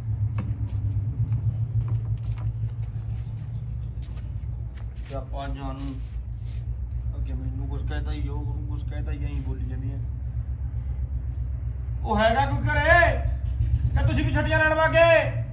[SPEAKER 1] ਤੇ ਆਪਾਂ ਜਾਨੂੰ ਅੱਗੇ ਮੈਨੂੰ ਕੁਝ ਕਹਿਤਾ ਹੀ ਉਹ ਨੂੰ ਕੁਝ ਕਹਿਤਾ ਹੀ ਐਂ ਬੋਲੀ ਜਾਂਦੀ ਹੈ ਉਹ ਹੈਗਾ ਕੋਈ ਘਰੇ ਕਿ ਤੁਸੀਂ ਵੀ ਛੱਡੀਆਂ ਲੈਣ ਵਾਗੇ